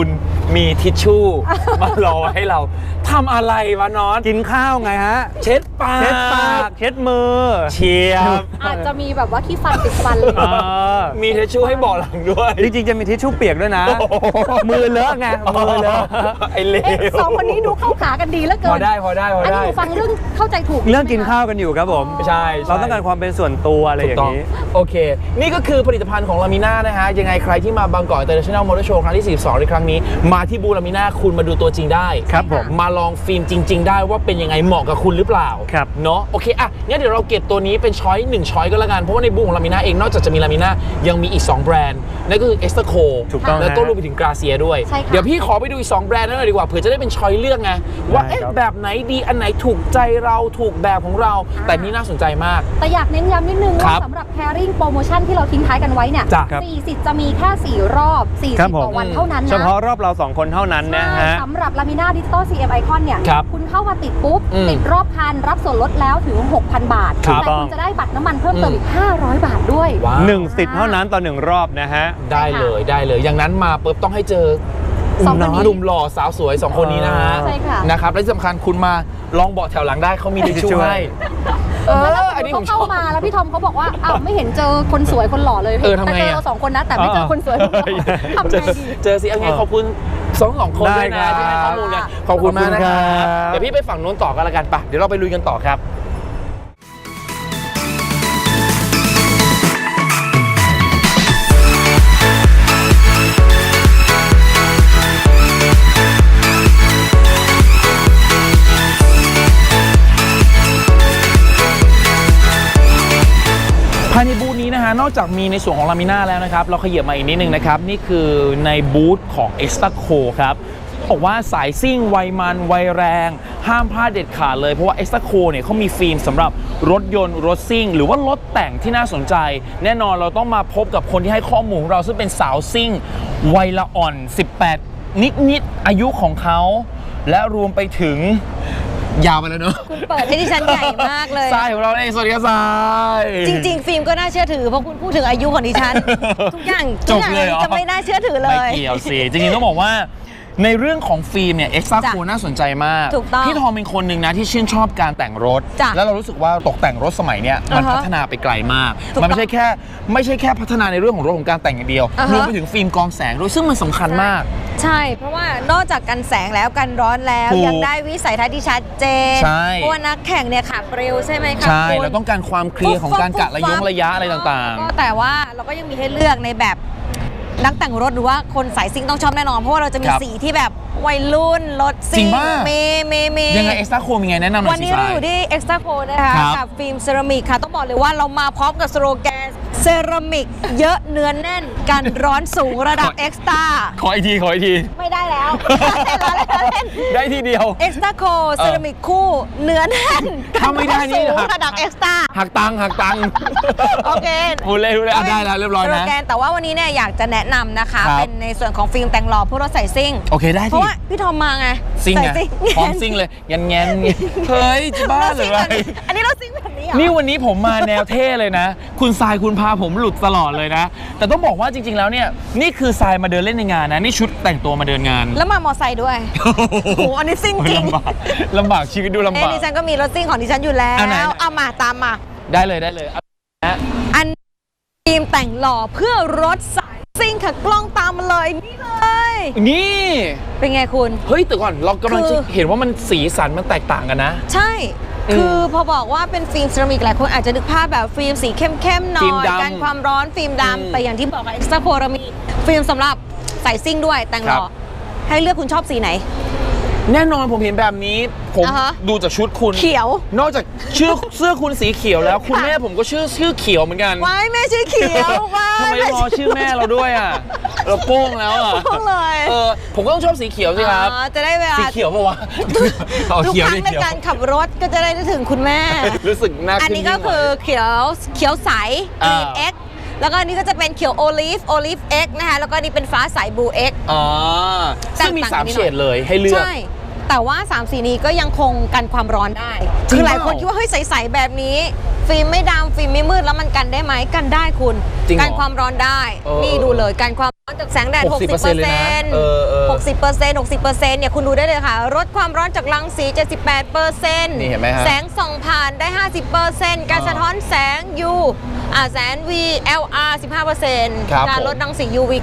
[SPEAKER 1] มีทิชชู่ มารอให้เราทำอะไรวะน้อน
[SPEAKER 3] กินข้าวไงฮะ
[SPEAKER 1] เช็ดปาก
[SPEAKER 3] เช็ดปากเช็ดมือ
[SPEAKER 1] เชียบ
[SPEAKER 2] อาจจะมีแบบว่าขี้ฟันติดฟันเลย
[SPEAKER 3] เออ
[SPEAKER 1] มีทิชชู่ให้เบอกหลังด้วย
[SPEAKER 3] จริงๆจะมีทิชชู่เปียกด้วยนะ มือเลอะไงมือเลอะ
[SPEAKER 1] ไอ้เล
[SPEAKER 2] เอ๊ะ
[SPEAKER 1] ว
[SPEAKER 2] สองคนนี้ดูเข้าขากันดีเหลือเกิ
[SPEAKER 1] พอน ได้พอได้พอ
[SPEAKER 2] อันนี้
[SPEAKER 1] ได้
[SPEAKER 2] หนูฟังเรื่องเข้าใจถูก
[SPEAKER 3] เรื่องกินข้าวกันอยู่ครับผม
[SPEAKER 1] ใช่
[SPEAKER 3] เราต้องการความเป็นส่วนตัวอะไรอย่างนี้
[SPEAKER 1] โอเค นี่ก็คือผลิตภัณฑ์ของลามิน่านะฮะ ยังไงใครที่มาบางกอก International Motor Show ครั้งที่ 42 ในครั้งนี้ มาที่บูธลามิน่าคุณมาดูตัวจริงได้
[SPEAKER 3] ครับผม
[SPEAKER 1] มาลองฟิล์มจริง ๆ ได้ว่าเป็นยังไงเหมาะกับคุณหรือเปล่า
[SPEAKER 3] ครับ
[SPEAKER 1] เนาะโอเคอ่ะงั้นเดี๋ยวเราเก็บตัวนี้เป็นช้อย1ช้อยก็แล้วกัน เพราะว่าในบูธของลามิน่าเองนอกจากจะมีลามิน่ายังมีอีก 2 แบรนด์ นั่นก็คือ e x t r a c o
[SPEAKER 3] ถูกต้อง
[SPEAKER 1] แล้วก็
[SPEAKER 3] ฮะ
[SPEAKER 1] รวมไปถึงกราเซียด้วย
[SPEAKER 2] ใช่ค่ะ
[SPEAKER 1] เดี๋ยวพี่ขอไปดูอีก 2 แบรนด์นั้นหน่อยดีกว่าเผื่อจะได้เป็นช้อยเลือกไงว่า
[SPEAKER 3] ได้
[SPEAKER 1] เอ๊ะ
[SPEAKER 3] ครับ
[SPEAKER 1] แบบไหนดีอันไหนถูกใจเราถูกแบบของเรา แต่นี่น่าสนใจมาก
[SPEAKER 2] แต่อยากเน้นย้ำนิดนึง
[SPEAKER 1] ครั
[SPEAKER 2] ว่า
[SPEAKER 1] บ
[SPEAKER 2] สำหรับ pairing โปรโมชั่นที่เราทิ้งท้ายกันไว้เนี่ย
[SPEAKER 1] จ้ะครับ
[SPEAKER 2] 40 จะมีแค่ 4 รอบ
[SPEAKER 3] ครับ
[SPEAKER 2] 40
[SPEAKER 3] ผม
[SPEAKER 2] ต่อวันเท่านั้นนะ
[SPEAKER 3] เฉพาะรอบเรา 2 คนเท่านั้นนะ
[SPEAKER 2] ใช่
[SPEAKER 3] ฮะ
[SPEAKER 2] สำหรับ Lamina Digital CM Icon เนี่ย
[SPEAKER 1] ครับ
[SPEAKER 2] คุณเข้ามาติดปุ๊บ
[SPEAKER 1] อืม
[SPEAKER 2] ติดรอบคันรับส่วนลดแล้วถึง 6,000 บาท
[SPEAKER 1] ครับ
[SPEAKER 2] แต่คุณจะได้บัตรน้ำมันเพิ่มเติมอีก 500 บาทด้วย
[SPEAKER 1] ว้าว
[SPEAKER 3] 1 สิทธิ์เท่านั้นต่อ 1 รอบนะฮะ
[SPEAKER 1] ได้เลยได้เลย อย่างนั้นมาปุ๊บต้องให้เจอ
[SPEAKER 2] สองคนนี้
[SPEAKER 1] หนุ่มหล่อสาวสวย 2 คนนี้นะฮะ
[SPEAKER 2] ใช่ค่ะ
[SPEAKER 1] นะครับและที่สำคัญคุณมาลองเบาะแถวหลังได้เขามีทิชชู่ให้
[SPEAKER 2] แล้วถ้า
[SPEAKER 1] อันนี้
[SPEAKER 2] ส
[SPEAKER 1] ผม ม
[SPEAKER 2] ติ
[SPEAKER 1] ช
[SPEAKER 2] เขา
[SPEAKER 1] อบ
[SPEAKER 2] เข้ามาแล้วพี่ทอมเขาบอกว่าอ้าวไม่เห็นเจอคนสวยคนหล่อเลย
[SPEAKER 1] ทำไง
[SPEAKER 2] แต่เจอ
[SPEAKER 1] อะ
[SPEAKER 2] เรา2 คนนะแต่ไม่เจอคนสวยคนหล่อทำไงดี
[SPEAKER 1] เจอสิเอาไงขอบคุณสองคนด้วยนะ
[SPEAKER 3] ได้ครับ
[SPEAKER 1] ที่ให้ข้อมูลกันขอบคุณมากนะครั
[SPEAKER 3] ขอบคุณครับ บ
[SPEAKER 1] เดี๋ยวพี่ไปฝั่งนู้นต่อกันละกันปะเดี๋ยวเราไปลุยกันต่อครับ ภายในบูธนี้นะฮะนอกจากมีในส่วนของลามิน่าแล้วนะครับเราขยับมาอีกนิดนึงนะครับนี่คือในบูธของ e x t r a c o ครับบอกว่าสายซิ่งวัยมันวัยแรงห้ามพลาดเด็ดขาดเลยเพราะว่า e x t r a c o เนี่ยเขามีฟิล์มสำหรับรถยนต์รถซิ่งหรือว่ารถแต่งที่น่าสนใจ แน่นอนเราต้องมาพบกับคนที่ให้ข้อมูลของเราซึ่งเป็นสาวซิ่งวัยละอ่อน 18 นิดๆอายุของเขาและรวมไปถึงยาวไปแล้วเนอะ
[SPEAKER 4] คุณเปิดให้ดิฉันใหญ่มากเลย
[SPEAKER 1] ทรายของเราเองสวัสดีครับทราย
[SPEAKER 4] จริง ๆ ฟิล์มก็น่าเชื่อถือเพราะคุณพูดถึงอายุของดิฉัน ทุกอย่าง
[SPEAKER 1] จบเลยเหรอ
[SPEAKER 4] จะไม่น่าเชื่อถือเล
[SPEAKER 1] ไม่
[SPEAKER 4] ย
[SPEAKER 1] เกี่ยวสิ จริงๆต้องบอกว่าในเรื่องของฟิล์มเนี่ยเอ็กซ์ตร้า
[SPEAKER 4] จ้ะ
[SPEAKER 1] โคน่าสนใจมาก
[SPEAKER 4] ถูกต้อง
[SPEAKER 1] พี่ทอมเป็นคนหนึ่งนะที่ชื่นชอบการแต่งรถ
[SPEAKER 4] จ้ะ
[SPEAKER 1] แล้วเรารู้สึกว่าตกแต่งรถสมัยเนี้ยมัน
[SPEAKER 4] อ่าฮะ
[SPEAKER 1] พัฒนาไปไกลมาก
[SPEAKER 4] ถูก
[SPEAKER 1] มันไม่ใช่แค่พัฒนาในเรื่องของรถของการแต่งอย่างเดียว
[SPEAKER 4] อ่าฮะ
[SPEAKER 1] รวมไปถึงฟิล์มกรองแสงด้วยซึ่งมันสำคัญมาก
[SPEAKER 4] ใช่ เพราะว่านอกจากกันแสงแล้วกันร้อนแล้ว
[SPEAKER 1] ถูก
[SPEAKER 4] ยังได้วิสัยทัศน์ที่ชัดเจน
[SPEAKER 1] ใช่
[SPEAKER 4] เพราะว่านักแข่งเนี่ยขับเร็วใช่ไหมคะ
[SPEAKER 1] ใช่
[SPEAKER 4] คุณ
[SPEAKER 1] เราต้องการความเคลียร์ของการกะระยะอะไรต่าง
[SPEAKER 4] ก็แต่ว่าเราก็ยังมีให้เลือกในแบบนักแต่งรถหรือว่าคนสายซิ่งต้องชอบแน่นอน เพราะว่าเราจะมี
[SPEAKER 1] ครับ
[SPEAKER 4] สีที่แบบวัยรุ่นรถ
[SPEAKER 1] จริ
[SPEAKER 4] ซิ่
[SPEAKER 1] ง
[SPEAKER 4] ง
[SPEAKER 1] ปะ
[SPEAKER 4] เม
[SPEAKER 1] ๆยังไงเอ็กซ์ตร้าโคมีไงแนะนำหน่
[SPEAKER 4] วั
[SPEAKER 1] อน ยสิ
[SPEAKER 4] นี้
[SPEAKER 1] ท
[SPEAKER 4] เรา
[SPEAKER 1] ราย
[SPEAKER 4] อยู่ที่ Extra Co นะคะ
[SPEAKER 1] ครับ
[SPEAKER 4] กับฟิล์มเซรามิกค่ะ ต้องบอกเลยว่าเรามาพร้อมกับสโลแกนเซรามิกเยอะเนื้อแน่นกันร้อนสูงระดับ Extra
[SPEAKER 1] ขออีกที
[SPEAKER 4] ไม่ได้แล้ว
[SPEAKER 1] ได้ทีเดียว
[SPEAKER 4] Extra Co เซรามิกคู่เนื้อแน่น
[SPEAKER 1] ถ้าไม่ได้นี่
[SPEAKER 4] กัร้อสูง
[SPEAKER 1] หัก
[SPEAKER 4] ระดับ Extra
[SPEAKER 1] หักตังค์
[SPEAKER 4] โอเค
[SPEAKER 1] พูดเลยอ่ะได้แล้วเรียบร้อย
[SPEAKER 4] สโล
[SPEAKER 1] นะ
[SPEAKER 4] แกนแต่ว่าวันนี้เนี่ยอยากจะแนะนำนะคะ
[SPEAKER 1] ครับ
[SPEAKER 4] เป็นในส่วนของฟิล์มแต่งหล่อเพื่อรถใส่ซิ่ง
[SPEAKER 1] โอเคได้
[SPEAKER 4] เพ
[SPEAKER 1] ที่
[SPEAKER 4] ราะว่าพี่ทอมมาไง
[SPEAKER 1] ซิ่ง
[SPEAKER 4] ใส่
[SPEAKER 1] ไง
[SPEAKER 4] ซิ่ง
[SPEAKER 1] พร้อมซิ่งเลยแงนเฮ้ยจะบ้า
[SPEAKER 4] เรา
[SPEAKER 1] เล
[SPEAKER 4] ซิ่ง
[SPEAKER 1] ย
[SPEAKER 4] แบบนี้อันนี้เราซิ่งแบบนี้เหรอ
[SPEAKER 1] นี่วันนี้ผมมาแนวเท่เลยนะ คุณทรายคุณพาผมหลุดตลอดเลยนะ แต่ต้องบอกว่าจริงๆแล้วเนี่ยนี่คือทรายมาเดินเล่นในงานนะนี่ชุดแต่งตัวมาเดินงาน
[SPEAKER 4] แล้วมามอไซค์ด้วย โอ้โหอันนี้ซิ่งจริง
[SPEAKER 1] ลำบากชีวิตดูลำ
[SPEAKER 4] เอ้ย
[SPEAKER 1] บาก
[SPEAKER 4] ดิฉันก็มีรถซิ่งของดิฉันอยู่แล้
[SPEAKER 1] เอาไหน
[SPEAKER 4] ว เอามาตามมา
[SPEAKER 1] ได้เลยเอานะ
[SPEAKER 4] อันฟิล์มแต่งหล่อเพื่อรถสายซิ่งค่ะกล้องตามมาเลยนี่เลย
[SPEAKER 1] นี่
[SPEAKER 4] เป็นไงคุณ
[SPEAKER 1] เฮ้ยแต่ก่อนเรากำลัง
[SPEAKER 4] คื
[SPEAKER 1] จะ
[SPEAKER 4] อ
[SPEAKER 1] เห็นว่ามันสีสันมันแตกต่างกันนะ
[SPEAKER 4] ใช่ คือพอบอกว่าเป็นฟิล์มเซรามิกหลายคนอาจจะนึกภาพแบบฟิล์มสีเข้มๆหน่
[SPEAKER 1] ฟิล์ม
[SPEAKER 4] อย
[SPEAKER 1] ดำ
[SPEAKER 4] กันความร้อนฟิล์ม
[SPEAKER 1] อืม
[SPEAKER 4] ดำแต่อย่างที่บอกกับ Extra Pro เรามีฟิล์มสำหรับใส่ซิ่งด้วยแต่งหล่อ
[SPEAKER 1] ครับ
[SPEAKER 4] ให้เลือกคุณชอบสีไหน
[SPEAKER 1] แน่นอนผมเห็นแบบนี้ผม
[SPEAKER 4] อ่าฮะ
[SPEAKER 1] ดูจากชุดคุณ
[SPEAKER 4] เขียว
[SPEAKER 1] นอกจากเสื้อคุณสีเขียวแล้ว คุณแม่ผมก็ชื่อเขียวเหมือนกัน
[SPEAKER 4] ไว้แม่ชื่อเขียวไว้
[SPEAKER 1] ทำไมรอชื่อแม่เราด้วยอ่ะ เราโป้งแล้วอ่ะ
[SPEAKER 4] โป้งเลย
[SPEAKER 1] ผมก็ต้องชอบสีเขียวสิครับ
[SPEAKER 4] อ๋อจะได้เวลา
[SPEAKER 1] สีเขียวปะวะเอา
[SPEAKER 4] ทุก
[SPEAKER 1] เขียว
[SPEAKER 4] ครั้
[SPEAKER 1] ดิ
[SPEAKER 4] งใน
[SPEAKER 1] เขียว
[SPEAKER 4] การขับรถก็จะได้นึกถึงคุณแม่
[SPEAKER 1] รู้สึกน่า
[SPEAKER 4] อัน
[SPEAKER 1] ขึ้น
[SPEAKER 4] นี้ก็คือเขียวใส
[SPEAKER 1] อ่า
[SPEAKER 4] Green X แล้วก็อันนี้ก็จะเป็นเขียวโอลิฟ X นะคะแล้วก็อันนี้เป็นฟ้าใส Blue X
[SPEAKER 1] อ๋อซึ่งมี
[SPEAKER 4] ต่างกันนิดหน่อย
[SPEAKER 1] 3 เฉดเลยให้เลือก
[SPEAKER 4] ใช่ แต่ว่า3สีนี้ก็ยังคงกันความร้อนได้
[SPEAKER 1] จริง
[SPEAKER 4] คือหลาย
[SPEAKER 1] เป
[SPEAKER 4] ค
[SPEAKER 1] ล่า
[SPEAKER 4] นคิดว่าเฮ้ยใสๆแบบนี้ ฟิล์มไม่ดำฟิล์มไม่มืดแล้วมันกันได้ไหมกันได้คุณ
[SPEAKER 1] จริงเหรอ
[SPEAKER 4] กันความร้อนได้
[SPEAKER 1] เออ
[SPEAKER 4] นี่ดูเลยกันความจากแสงแดด
[SPEAKER 1] 60% เลยนะ
[SPEAKER 4] 60%เนี่ยคุณดูได้เลยค่ะลดความร้อนจากรังสี 78%
[SPEAKER 1] นี่เห็นไหมฮะ
[SPEAKER 4] แสงส่องผ่านได้ 50% การสะท้อนแสง U แสง VLR 15%
[SPEAKER 1] ครับ
[SPEAKER 4] การลดรังสี UV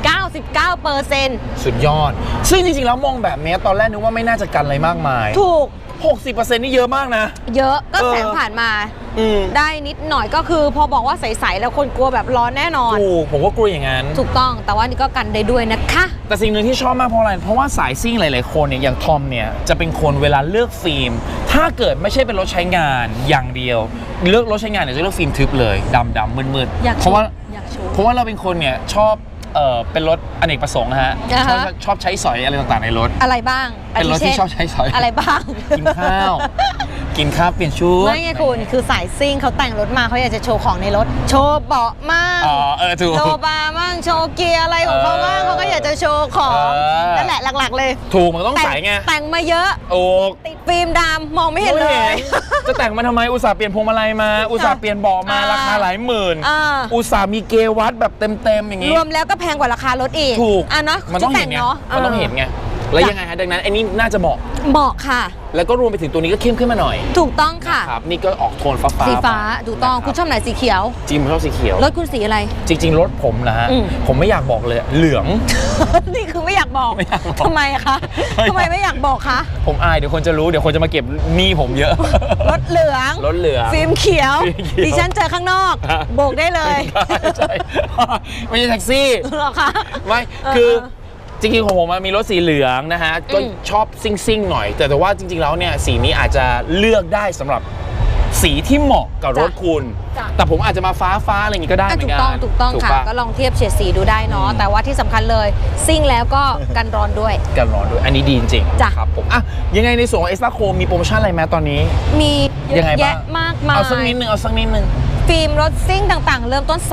[SPEAKER 4] 99%
[SPEAKER 1] สุดยอด ซึ่งจริงๆแล้วมองแบบนี้ตอนแรกนึกว่าไม่น่าจะกันอะไรมากมาย
[SPEAKER 4] ถูก
[SPEAKER 1] 60% นี่เยอะมากนะ
[SPEAKER 4] เยอะก็แสงผ่านมา ได้นิดหน่อยก็คือพอบอกว่าใสๆแล้วคนกลัวแบบร้อนแน่นอน
[SPEAKER 1] ถูกผมก็กลัวอย่างนั้น
[SPEAKER 4] ถูกต้องแต่ว่านี่ก็กันได้ด้วยนะคะ
[SPEAKER 1] แต่สิ่งหนึ่งที่ชอบมากเพราะอะไร เพราะว่าสายซิ่งหลายๆคนเนี่ยอย่างทอมเนี่ยจะเป็นคนเวลาเลือกฟิล์ม ถ้าเกิดไม่ใช่เป็นรถใช้งานอย่างเดียว เลือกรถใช้งานเนี่ยจะเลือกฟิล์มทึบเลยดำๆมืด
[SPEAKER 4] อยาก
[SPEAKER 1] ๆ
[SPEAKER 4] โชว์
[SPEAKER 1] เพราะว่า
[SPEAKER 4] อยากโชว์
[SPEAKER 1] เพราะว่าเราเป็นคนเนี่ยชอบเป็นรถอเนกประสงค์นะฮะ
[SPEAKER 4] อ่าฮะ
[SPEAKER 1] ชอบใช้สอยอะไรต่างๆในรถ
[SPEAKER 4] อะไรบ้าง
[SPEAKER 1] เป็นรถที่ชอบใช้สอย
[SPEAKER 4] อะไรบ้าง
[SPEAKER 1] กินข้าว กินข้าวเปลี่ยนชุด
[SPEAKER 4] ไม่ไงคุณคือสายซิ่งเขาแต่งรถมาเขาอยากจะโชว์ของในรถ โชว์เบาะมั่ง
[SPEAKER 1] อ๋อถูก
[SPEAKER 4] โชว์บาร์มั่งโชว์เกียร์อะไรของเขาบ้างเขาก็อยากจะโชว์ของ นั่นแหละหลักๆเลย
[SPEAKER 1] ถูกมันต้องใส่ไง
[SPEAKER 4] แต่งมาเยอะ
[SPEAKER 1] โอ้
[SPEAKER 4] ติดฟิล์มดำมองไม่เห็นเลย
[SPEAKER 1] จะแต่งมาทำไมอุตส่าห์เปลี่ยนพวงมาลัยมา อุตส่าห์เปลี่ยนเบาะมาราคาหลายหมื่น อุตส่าห์มีเกวัตแบบเต็มๆอย่างงี้
[SPEAKER 4] รวมแล้วก็แพงกว่าราคารถอีก
[SPEAKER 1] ถูก
[SPEAKER 4] อ่ะเนาะ
[SPEAKER 1] มันต้องเห็นไง
[SPEAKER 4] เนาะ
[SPEAKER 1] มันต้องเห็นไงแล้วยังไงฮะดังนั้นไอ้นี่น่าจะเหมาะ
[SPEAKER 4] บอกค่ะ
[SPEAKER 1] แล้วก็รวมไปถึงตัวนี้ก็เข้มขึ้นมาหน่อย
[SPEAKER 4] ถูกต้องค่ะ
[SPEAKER 1] ครับนี่ก็ออกโทนฟ้า
[SPEAKER 4] สีฟ้า
[SPEAKER 1] ไป
[SPEAKER 4] ถูกต้อง
[SPEAKER 1] นะ
[SPEAKER 4] คุณชอบไหนสีเขียว
[SPEAKER 1] จริงผมชอบสีเขียว
[SPEAKER 4] รถคุณสีอะไร
[SPEAKER 1] จริง ๆ รถผมนะฮะ
[SPEAKER 4] อืม
[SPEAKER 1] ผมไม่อยากบอกเลยเหลือง
[SPEAKER 4] นี่คือไม่อยากบอก
[SPEAKER 1] ไม่อยากบอก
[SPEAKER 4] ทำไมคะทำไมไม่อยากบอกคะ
[SPEAKER 1] ผมอายเดี๋ยวคนจะรู้เดี๋ยวคนจะมาเก็บหนี้ผมเยอะ
[SPEAKER 4] รถเหลือง
[SPEAKER 1] รถเหลือง
[SPEAKER 4] ฟิล์มเขียว
[SPEAKER 1] ฟิล์มเขียว
[SPEAKER 4] ดิฉันเจอข้างนอก
[SPEAKER 1] ฮะ
[SPEAKER 4] โบกได้เลย
[SPEAKER 1] ใช่ ไม่ใช่แท็กซี่
[SPEAKER 4] เหรอคะ
[SPEAKER 1] ไม่คือจริงๆของผมมีรถสีเหลืองนะฮะก็
[SPEAKER 4] อืม
[SPEAKER 1] ชอบซิ่งๆหน่อย แต่ว่าจริงๆแล้วเนี่ยสีนี้อาจจะเลือกได้สำหรับสีที่เหมาะกับรถคุณ
[SPEAKER 4] จ้ะ
[SPEAKER 1] แต่ผมอาจจะมาฟ้าอะไรอย่างงี้ก็ได้เหมื
[SPEAKER 4] ถู
[SPEAKER 1] อน
[SPEAKER 4] ก
[SPEAKER 1] กัน
[SPEAKER 4] ต้องถูกต้องค่ะ
[SPEAKER 1] ป
[SPEAKER 4] ก็ลองเทียบเฉดสีดูได้เนาะแต่ว่าที่สำคัญเลยซิ่งแล้วก็กันร้อนด้วย
[SPEAKER 1] กันร้อนด้วยอันนี้ดีจริงๆ
[SPEAKER 4] จ้ะ
[SPEAKER 1] ครับผมอ่ะยังไงในส่วนของ Extra Chrome มีโปรโมชั่นอะไรไหมตอนนี้
[SPEAKER 4] มีเย
[SPEAKER 1] ยังไง
[SPEAKER 4] อะ
[SPEAKER 1] บ้าง
[SPEAKER 4] แยะมากมาย
[SPEAKER 1] เอาสักนิดนึงเอาสักนิดนึง
[SPEAKER 4] ฟิล์มรถซิ่งต่างๆ เริ่มต้น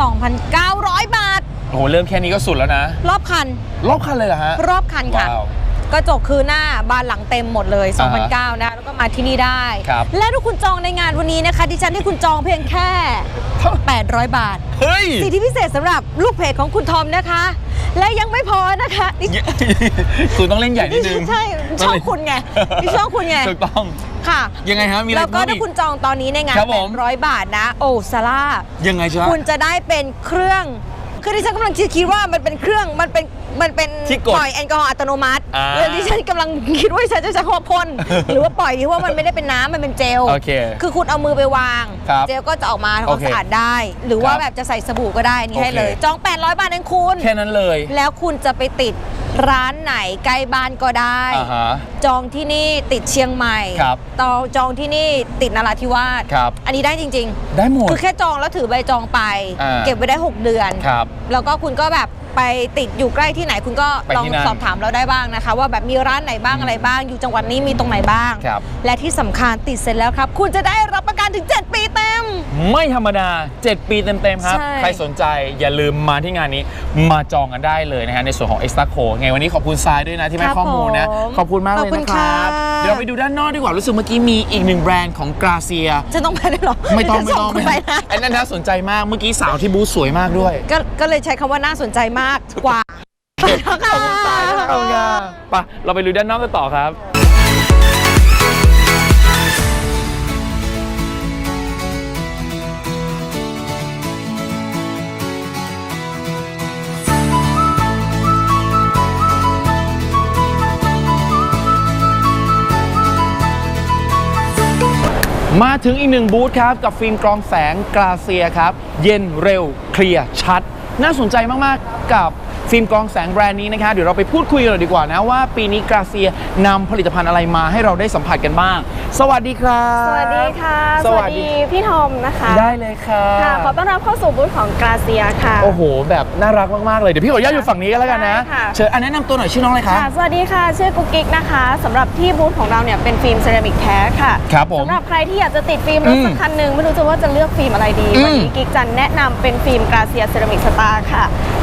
[SPEAKER 4] 2,900 บาท
[SPEAKER 1] โอ้โหเริ่มแค่นี้ก็สุดแล้วนะ
[SPEAKER 4] รอบคัน
[SPEAKER 1] รอบคันเลยเหรอฮะ
[SPEAKER 4] รอบคันค่ะ
[SPEAKER 1] ว้าว
[SPEAKER 4] กระจกคือหน้าบานหลังเต็มหมดเลย
[SPEAKER 1] อ่าฮะ
[SPEAKER 4] 2,900นะแล้วก็มาที่นี่ได้
[SPEAKER 1] ครับ
[SPEAKER 4] และถ้าคุณจองในงานวันนี้นะคะดิฉันที่คุณจองเพียงแค่ 800 บาท
[SPEAKER 1] เฮ้ย
[SPEAKER 4] สิทธิพิเศษสำหรับลูกเพจของคุณทอมนะคะ และยังไม่พอนะคะดิ
[SPEAKER 1] คุณต้องเล่นใหญ่นิดนึง
[SPEAKER 4] ใช่ชอบคุณไงดิชอบคุณไง
[SPEAKER 1] ถูกต้อง
[SPEAKER 4] ค่ะ
[SPEAKER 1] ยังไงฮะมีอะไร
[SPEAKER 4] แล้วก็
[SPEAKER 1] เพิ่มอีก
[SPEAKER 4] ถ้าคุณจองตอนนี้ในงาน
[SPEAKER 1] ครับผม
[SPEAKER 4] 800 บาทนะ โอ้ซาร่า
[SPEAKER 1] ยังไงจ๊ะ
[SPEAKER 4] คุณจะได้เป็นเครื่อง คือดิฉันกำลังคิดว่ามันเป็นเครื่อง มันเป็น
[SPEAKER 1] ที่กด
[SPEAKER 4] ปล่อยแอลกอฮอล์อัตโนมัติ
[SPEAKER 1] อ่า
[SPEAKER 4] แล้วดิฉันกำลังคิดว่าฉันจะใช้คำว่าพ่น หรือว่าปล่อยที่ว่ามันไม่ได้เป็นน้ำมันเป็นเจล
[SPEAKER 1] โอเค
[SPEAKER 4] คือคุณเอามือไปวาง
[SPEAKER 1] ครับ
[SPEAKER 4] เจลก็จะออกมาทำค
[SPEAKER 1] โอ
[SPEAKER 4] วาม
[SPEAKER 1] เค
[SPEAKER 4] สะอาดได้ หรือว่า
[SPEAKER 1] ครับ
[SPEAKER 4] แบบจะใส่สบู่ก็ได้นี่ให้
[SPEAKER 1] โอเค
[SPEAKER 4] เลย จอง 800 บาทเองคุณ
[SPEAKER 1] แค่นั้นเลย
[SPEAKER 4] แล้วคุณจะไปติดร้านไหนใกล้บ้านก็ได้
[SPEAKER 1] อ่าฮะ
[SPEAKER 4] จองที่นี่ติดเชียงใหม่
[SPEAKER 1] ครับ
[SPEAKER 4] จองที่นี่ติดนราธิวาส
[SPEAKER 1] ครับ
[SPEAKER 4] อันนี้ได้จริง
[SPEAKER 1] ได้หมด
[SPEAKER 4] ๆ คือแค่จองแล้วถือใบจองไป
[SPEAKER 1] อ่า
[SPEAKER 4] เก็บไว้ได้ 6 เดือน
[SPEAKER 1] ครับ
[SPEAKER 4] แล้วก็คุณก็แบบไปติดอยู่ใกล้ที่ไหนคุณก็
[SPEAKER 1] ไป
[SPEAKER 4] ลอง
[SPEAKER 1] ที่นั่น
[SPEAKER 4] สอบถามเราได้บ้างนะคะ ว่าแบบมีร้านไหนบ้างอะไรบ้าง อยู่จังหวัดนี้มีตรงไหนบ้าง
[SPEAKER 1] ครับ
[SPEAKER 4] และที่สำคัญติดเสร็จแล้วครับ คุณจะได้รับประกันถึง 7 ปีเต็ม
[SPEAKER 1] ไม่ธรรมดา 7 ปีเต็มๆครับ
[SPEAKER 4] ใช่
[SPEAKER 1] ใครสนใจอย่าลืมมาที่งานนี้มาจองกันได้เลยนะฮะในส่วนของ Extra Co ไงวันนี้ขอบคุณทรายด้วยนะที่ให้ข้อมูลนะ ขอบคุณมากเลย
[SPEAKER 4] ขอบคุณ
[SPEAKER 1] นะครับ
[SPEAKER 4] ค่ะ
[SPEAKER 1] เดี๋ยวเราไปดูด้านนอกดีกว่า รู้สึกเมื่อกี้มีอีกหนึ่งแบรนด์ของกราเซีย
[SPEAKER 4] จะต้องไปได้หรอ
[SPEAKER 1] ไม่ต้อง
[SPEAKER 4] จะส่คุณไปนะ
[SPEAKER 1] ไอ้นั่นน่าสนใจมากเมื่อกี้สาวที่บูธสวยมากด้วย
[SPEAKER 4] ก็เลยใช้คำว่าน่าสนใจมากกว่าไปแล้วค่ะ
[SPEAKER 1] เอาไงไปเราไปดูด้านนอกกันต่อครับ มาถึงอีกหนึ่งบูธครับ กับฟิล์มกรองแสงกราเซียครับ เย็นเร็วเคลียร์ชัด น่าสนใจมาก ๆ กับฟิล์มกรองแสงแบรนด์นี้นะครับเดี๋ยวเราไปพูดคุยกันเลยดีกว่านะว่าปีนี้กราเซียนำผลิตภัณฑ์อะไรมาให้เราได้สัมผัสกันบ้าง สวัสดีครับ
[SPEAKER 5] สวัสดีค่ะ
[SPEAKER 1] สวัสดี
[SPEAKER 5] พี่ทอมนะคะ
[SPEAKER 1] ได้เลยค่ะ
[SPEAKER 5] ค่ะ ขอต้อนรับเข้าสู่บูธของกราเซียค่ะ
[SPEAKER 1] โอ้โห แบบน่ารักมาก ๆ เลย เดี๋ยวพี่ขออนุญาตอยู่ฝั่งนี้กันแล้วกันนะ
[SPEAKER 5] ได้ค่ะ
[SPEAKER 1] เชิญแนะนำตัวหน่อยชื่อน้องอะไรคะ
[SPEAKER 5] ค่ะ สวัสดีค่ะ ชื่อกุ๊กกิ๊กนะคะสำหรับที่บูธของเราเนี่ยเป็นฟิล์มเซรามิกแท้ค่ะ
[SPEAKER 1] ครับผม
[SPEAKER 5] สำหรับใครที่อยากจะติดฟิล์มรถสักคันหนึ่งไม่รู้จะว่าจะเลือกฟิล์มอะไรดี
[SPEAKER 1] อืม
[SPEAKER 5] วันนี้กิ๊กจะแนะนำเป็นฟิล์มกราเซียเซรามิกสตาร์ค่ะ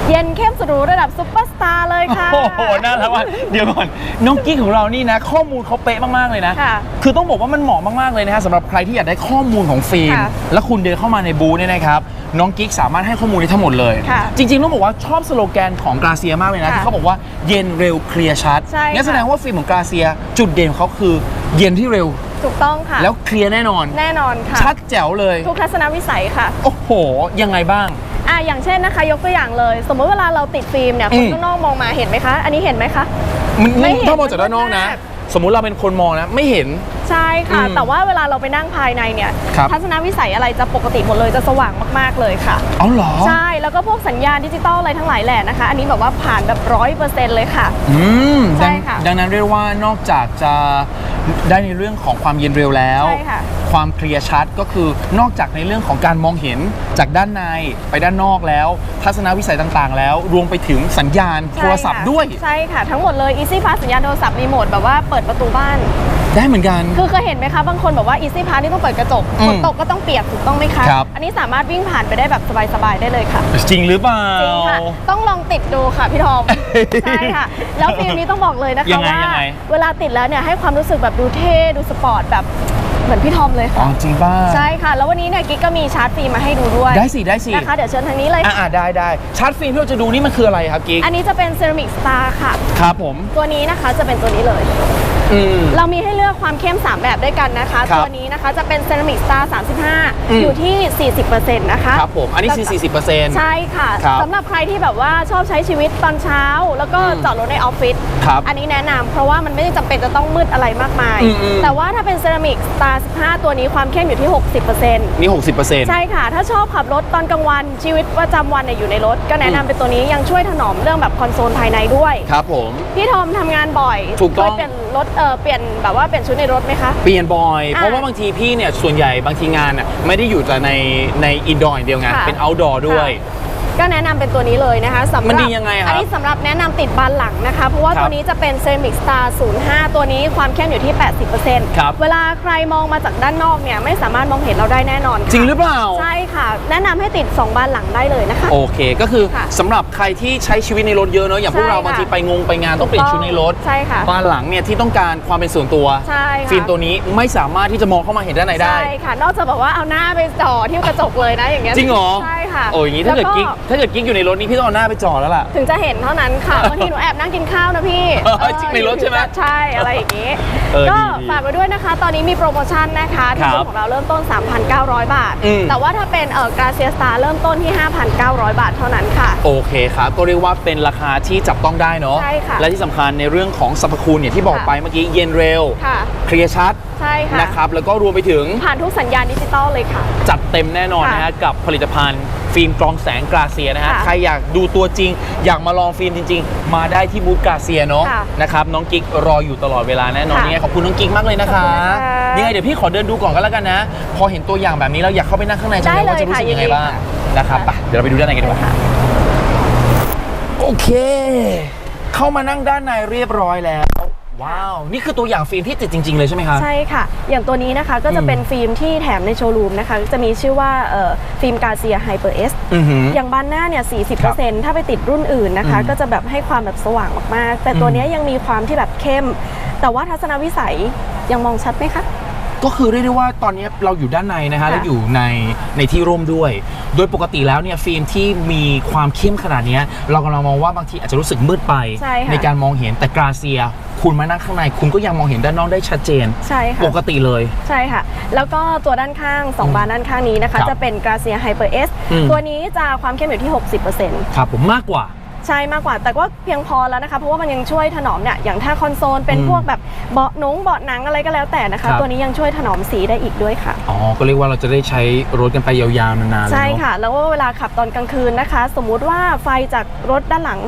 [SPEAKER 5] เย็นเข้มสุดหรูระดับซุปเปอร์สตาร์เลยค่ะ
[SPEAKER 1] โอ้โหน่ารักว่ากเดี๋ยวก่อนน้องกิ๊กของเรานี่นะข้อมูลเขาเป๊ะมากๆเลยนะ
[SPEAKER 5] ค่ะ
[SPEAKER 1] คือต้องบอกว่ามันเหมาะมากๆเลยนะฮะสำหรับใครที่อยากได้ข้อมูลของฟิล์ม
[SPEAKER 5] ค่ะ
[SPEAKER 1] แล้วคุณเดินเข้ามาในบูธเนี่ยนะครับน้องกิ๊กสามารถให้ข้อมูลได้ทั้งหมดเลย
[SPEAKER 5] ค่ะ
[SPEAKER 1] จริงๆต้องบอกว่าชอบสโลแกนของกราเซียมากเลยนะ
[SPEAKER 5] ค่ะ
[SPEAKER 1] ที่เขาบอกว่าเย็นเร็วเคลียร์ชัด
[SPEAKER 5] ใช่ค่ะ
[SPEAKER 1] งั้นแสดงว่าฟิล์มของกราเซียจุดเด่นของเขาคือเย็นที่เร็ว
[SPEAKER 5] ถูกต้องค่ะ
[SPEAKER 1] แล้วเคลียร์แน่นอน
[SPEAKER 5] แน่นอนค่ะ
[SPEAKER 1] ชัดแจ๋วเลย
[SPEAKER 5] ทุกทัศนวิสัยค่ะ
[SPEAKER 1] โอ้โหยังไงบ้าง
[SPEAKER 5] อย่างเช่นนะคะยกตัวอย่างเลย สมมติเวลาเราติดฟิล์มเนี่ยคนข้างนอกมองมาเห็นไหมคะ อันนี้เห็นไหมคะ ไม่เห็น
[SPEAKER 1] ถ้ามองจากด้านนอกนะ
[SPEAKER 5] มันมืดมาก
[SPEAKER 1] สมมุติเราเป็นคนมองนะไม่เห็น
[SPEAKER 5] ใช่ค่ะ
[SPEAKER 1] อืม
[SPEAKER 5] แต่ว่าเวลาเราไปนั่งภายในเนี่ย
[SPEAKER 1] ครับ
[SPEAKER 5] ทัศนวิสัยอะไรจะปกติหมดเลยจะสว่างมากๆเลยค่ะ
[SPEAKER 1] อ๋อเหรอ
[SPEAKER 5] ใช่แล้วก็พวกสัญญาณดิจิตอลอะไรทั้งหลายแหละนะคะ อันนี้แบบว่าผ่านแบบ100%เลยค่ะ
[SPEAKER 1] อืม
[SPEAKER 5] ใช่ค่ะ
[SPEAKER 1] ดังนั้นเรียกว่านอกจากจะได้ในเรื่องของความเย็นเร็วแล้ว
[SPEAKER 5] ใช่ค่ะ
[SPEAKER 1] ความเคลียร์ชัดก็คือนอกจากในเรื่องของการมองเห็นจากด้านในไปด้านนอกแล้ว ทัศนวิสัยต่างๆ แล้วรวมไปถึงสัญญาณโทรศัพท์ด้วย
[SPEAKER 5] ใช่ค่ะ ทั้งหมดเลย Easy Pass สัญญาณโทรศัพท์รีโมทแบบว่าเปิดประตูบ้าน
[SPEAKER 1] ได้เหมือนกัน
[SPEAKER 5] คือเคยเห็นไหมคะ บางคนบอกว่า Easy Pass นี่ต้องเปิดกระจก
[SPEAKER 1] อืม
[SPEAKER 5] ฝนตกก็ต้องเปียกถูกต้องไหมคะ
[SPEAKER 1] ครับ
[SPEAKER 5] อันนี้สามารถวิ่งผ่านไปได้แบบสบายๆได้เลยค่ะ
[SPEAKER 1] จริงหรือเปล่า
[SPEAKER 5] จริงค่ะ ต้องลองติดดูค่ะพี่ทอม ใช่ค่ะ แล้วฟิล์มนี้ต้องบอกเลยนะ
[SPEAKER 1] ยั
[SPEAKER 5] คะ
[SPEAKER 1] งไง
[SPEAKER 5] ว่า
[SPEAKER 1] ยังไง
[SPEAKER 5] เวลาติดแล้วเนี่ยให้ความรู้สึกแบบดูเท่ดูสปอร์ตแบบเหมือนพี่ทอมเลย
[SPEAKER 1] อ๋อ
[SPEAKER 5] ค่ะ
[SPEAKER 1] จริงป่ะ
[SPEAKER 5] ใช่ค่ะ แล้ววันนี้เนี่ยกิ๊กก็มีชาร์จฟิล์มมาให้ดูด้วย
[SPEAKER 1] ได้สิได้สิ
[SPEAKER 5] นะคะ เดี๋ยวเชิญทางนี้เลย
[SPEAKER 1] ได้ชาร์จฟิล์มที่เราจะดูนี่มันคืออะไรครับกิ๊ก
[SPEAKER 5] อันนี้จะเป็นเซรามิกสตาร์ค่ะ
[SPEAKER 1] ครับผม
[SPEAKER 5] ตัวนี้นะคะจะเป็นตัวนี้เลย
[SPEAKER 1] อืม
[SPEAKER 5] เรามีให้เลือกความเข้ม 3 แบบด้วยกันนะคะ
[SPEAKER 1] ครับ
[SPEAKER 5] ตัวนี้นะคะจะเป็นเซรามิกสตาร์
[SPEAKER 1] อืม
[SPEAKER 5] 35 อยู่ที่ 40%นะคะ
[SPEAKER 1] ครับผมอันนี้คือ40%
[SPEAKER 5] ใช่ค่ะ
[SPEAKER 1] ครับ
[SPEAKER 5] สำหรับใครที่แบบว่าชอบใช้ชีวิตตอนเช้า แล้วก็
[SPEAKER 1] อืม
[SPEAKER 5] จอดรถในออฟฟิศ
[SPEAKER 1] ครับ
[SPEAKER 5] อันนี้แนะนำเพราะว่ามันไม่ได้จำเป็นจะต้องมืดอะไรมากมาย
[SPEAKER 1] อืม
[SPEAKER 5] แต่ว่าถ้าเป็นเซรามิกสตาร์ 15 ตัวนี้ความเข้มอยู่ที่ 60%
[SPEAKER 1] นี่ 60%
[SPEAKER 5] ใช่ค่ะ ถ้าชอบขับรถตอนกลางวันชีวิตประจำวันเนี่ยอยู่ในรถ ก็แนะนำเป็นตัวนี้ยังช่วยถนอมเรื่องแบบคอนโซลภายในด้วย
[SPEAKER 1] ครับผม
[SPEAKER 5] พี่ทอมทำงานบ่อย
[SPEAKER 1] ถูกต้อง
[SPEAKER 5] เคยเปลี่ยนรถเปลี่ยนแบบว่าเปลี่ยนชุดในรถไหมคะ
[SPEAKER 1] เปลี่ยนบ่อย
[SPEAKER 5] อ่ะ
[SPEAKER 1] เพราะว่าบางทีพี่เนี่ยส่วนใหญ่บางทีงานน่ะไม่ได้อยู่แต่ในอินดอร์อย่างเดียวไง
[SPEAKER 5] ค่ะ
[SPEAKER 1] เป็นเอาท์ดอร์ด้วย
[SPEAKER 5] ก็แนะนำเป็นตัวนี้เลยนะคะสำหรับ
[SPEAKER 1] มันดียังไงครับ
[SPEAKER 5] อันนี้สำหรับแนะนำติดบานหลังนะคะ เพราะว่า
[SPEAKER 1] ครับ
[SPEAKER 5] ตัวนี้จะเป็น Ceramic Star 05 ตัวนี้ความเข้มอยู่ที่ 80%
[SPEAKER 1] ครับ
[SPEAKER 5] เวลาใครมองมาจากด้านนอกเนี่ยไม่สามารถมองเห็นเราได้แน่นอนค่ะ
[SPEAKER 1] จริงหรือเปล่า
[SPEAKER 5] ใช่ค่ะ แนะนำให้ติด 2 บานหลังได้เลยนะคะ
[SPEAKER 1] โอเค ก็คือ
[SPEAKER 5] ค่ะ
[SPEAKER 1] สำหรับใครที่ใช้ชีวิตในรถเยอะเนอะอย่างพวกเรา
[SPEAKER 5] ใช่ค่ะ
[SPEAKER 1] บางทีไปไปงานต้องเปลี่ยนชุดในรถ
[SPEAKER 5] ใช่ค่ะ
[SPEAKER 1] บ้านหลังเนี่ยที่ต้องการความเป็นส่วนตัว
[SPEAKER 5] ใช่ค่ะ
[SPEAKER 1] ฟิล์มตัวนี้ไม่สามารถที่จะมองเข้ามาเห็นด้านในได้
[SPEAKER 5] ใช่ค่ะ นอกจากแบบว่าเอาหน้าไปจ่อที่กระจกเลยนะอย่างเงี้ย
[SPEAKER 1] จริงเหรอ
[SPEAKER 5] ใช่ค่ะ
[SPEAKER 1] โอ้ยอย่างนี้ถ้าเกิด
[SPEAKER 5] แล้ว
[SPEAKER 1] กิ๊กอยู่ในรถนี้พี่ต้องเอาหน้าไปจ่อแล้วล่ะ
[SPEAKER 5] ถึงจะเห็นเท่านั้นค่ะ บางทีหนูแอบนั่งกินข้าวนะพี่
[SPEAKER 1] จริงในรถใช่ไหม
[SPEAKER 5] ใช่อะไรอย่างนี้
[SPEAKER 1] ดี
[SPEAKER 5] ก็
[SPEAKER 1] ดี
[SPEAKER 5] ฝากไว้ด้วยนะคะ ตอนนี้มีโปรโมชั่นนะคะที่
[SPEAKER 1] ครับ
[SPEAKER 5] บูธของเราเริ่มต้น 3,900 บาท
[SPEAKER 1] อืม
[SPEAKER 5] แต่ว่าถ้าเป็นกาเซียสตาร์เริ่มต้นที่ 5,900 บาทเท่านั้นค่ะ
[SPEAKER 1] โอเคครับ ก็เรียกว่าเป็นราคาที่จับต้องได้เนาะ
[SPEAKER 5] ใช่ค่ะ
[SPEAKER 1] และที่สำคัญในเรื่องของสรรพคุณเนี่ยที่บอก
[SPEAKER 5] ค่ะ
[SPEAKER 1] ไปเมื่อกี้เย็นเร็ว
[SPEAKER 5] ค่ะ
[SPEAKER 1] เคลียร์ชัด
[SPEAKER 5] ใช่ค่ะ
[SPEAKER 1] นะครับแล้วก็รวมไปถึง
[SPEAKER 5] ผ่านทุกสัญญาณดิจิตอลเลยค่ะ
[SPEAKER 1] จัดเต็มแน่นอนนะ
[SPEAKER 5] ค่ะ
[SPEAKER 1] ฮะกับผลิตภัณฑ์ฟิล์มกรองแสงกราเซียนะฮะ
[SPEAKER 5] ค่ะ
[SPEAKER 1] ใครอยากดูตัวจริง อยากมาลองฟิล์มจริง ๆ มาได้ที่บูธกราเซียเนาะ
[SPEAKER 5] ค่ะ
[SPEAKER 1] นะครับน้องกิ๊กรออยู่ตลอดเวลาแน่นอน
[SPEAKER 5] ค่ะ
[SPEAKER 1] ยังไงขอบคุณน้องกิ๊กมากเลยนะคะ
[SPEAKER 5] ขอบคุณนะคะ
[SPEAKER 1] ยังไงเดี๋ยวพี่ขอเดินดูก่อนก็แล้วกันนะ พอเห็นตัวอย่างแบบนี้แล้วอยากเข้าไปนั่งข้างในจังเลย
[SPEAKER 5] ได้เลย
[SPEAKER 1] ว่าจะรู้สึก
[SPEAKER 5] ค่ะ
[SPEAKER 1] ยังไง
[SPEAKER 5] ยินดี
[SPEAKER 1] บ้าง
[SPEAKER 5] ค่ะ
[SPEAKER 1] นะครับไปเดี๋ยวเราไปดูด้านในกันดีกว่า
[SPEAKER 5] ค่ะ
[SPEAKER 1] โอเค เข้ามานั่งด้านในเรียบร้อยแล้ว ว้าว นี่คือตัวอย่างฟิล์มที่ติดจริง ๆ เลยใช่ไหมคะ
[SPEAKER 5] ใช่ค่ะ อย่างตัวนี้นะคะก็จะเป็นฟิล์มที่แถมในโชว์รูมนะคะ จะมีชื่อว่าฟิล์มกาเซียไฮเปอร์เอส
[SPEAKER 1] อือหือ
[SPEAKER 5] อย่างบานหน้าเนี่ย 40%ถ้าไปติดรุ่นอื่นนะคะ
[SPEAKER 1] อืม
[SPEAKER 5] ก็จะแบบให้ความแบบสว่างมากๆ แต่ตัวเนี้ยยังมีความที่แบบเข้ม แต่ว่าทัศนวิสัยยังมองชัดไหมคะ
[SPEAKER 1] ก็คือเรียกได้ว่าตอนนี้เราอยู่ด้านในนะฮะ
[SPEAKER 5] ค่ะ
[SPEAKER 1] แล้วอยู่ในที่ร่มด้วย โดยปกติแล้วเนี่ยฟิล์มที่มีความเข้มขนาดเนี้ยเรากำลังมองว่าบางทีอาจจะรู้สึกมืดไป
[SPEAKER 5] ใช่ค่ะ
[SPEAKER 1] การมองเห็นแต่กราเซีย คุณมานั่งข้างในคุณก็ยังมองเห็นด้านนอกได้ชัดเจน
[SPEAKER 5] ใช่ค่ะ
[SPEAKER 1] ปกติเลย
[SPEAKER 5] ใช่ค่ะ แล้วก็ตัวด้านข้าง 2 บานด้านข้างนี้นะคะ
[SPEAKER 1] ครับ
[SPEAKER 5] จะเป็นกราเซียไฮเปอร์เอส
[SPEAKER 1] อืม
[SPEAKER 5] ตัวนี้จะความเข้มอยู่ที่ 60%
[SPEAKER 1] ครับผมมากกว่า
[SPEAKER 5] ใช่มากกว่า แต่ก็เพียงพอแล้วนะคะ เพราะว่ามันยังช่วยถนอมเนี่ย อย่างถ้าคอนโซลเป็น
[SPEAKER 1] อืม
[SPEAKER 5] พวกแบบเบาะหนังอะไรก็แล้วแต่นะคะ
[SPEAKER 1] ครับ
[SPEAKER 5] ตัวนี้ยังช่วยถนอมสีได้อีกด้วยค่ะ
[SPEAKER 1] อ๋อ ก็เรียกว่าเราจะได้ใช้รถกันไปยาวๆนานๆเลย
[SPEAKER 5] ใช่
[SPEAKER 1] เนาะ
[SPEAKER 5] ค่ะ แล้วก็เวลาขับตอนกลางคืนนะคะ สมมุติว่าไฟจากรถด้านหลัง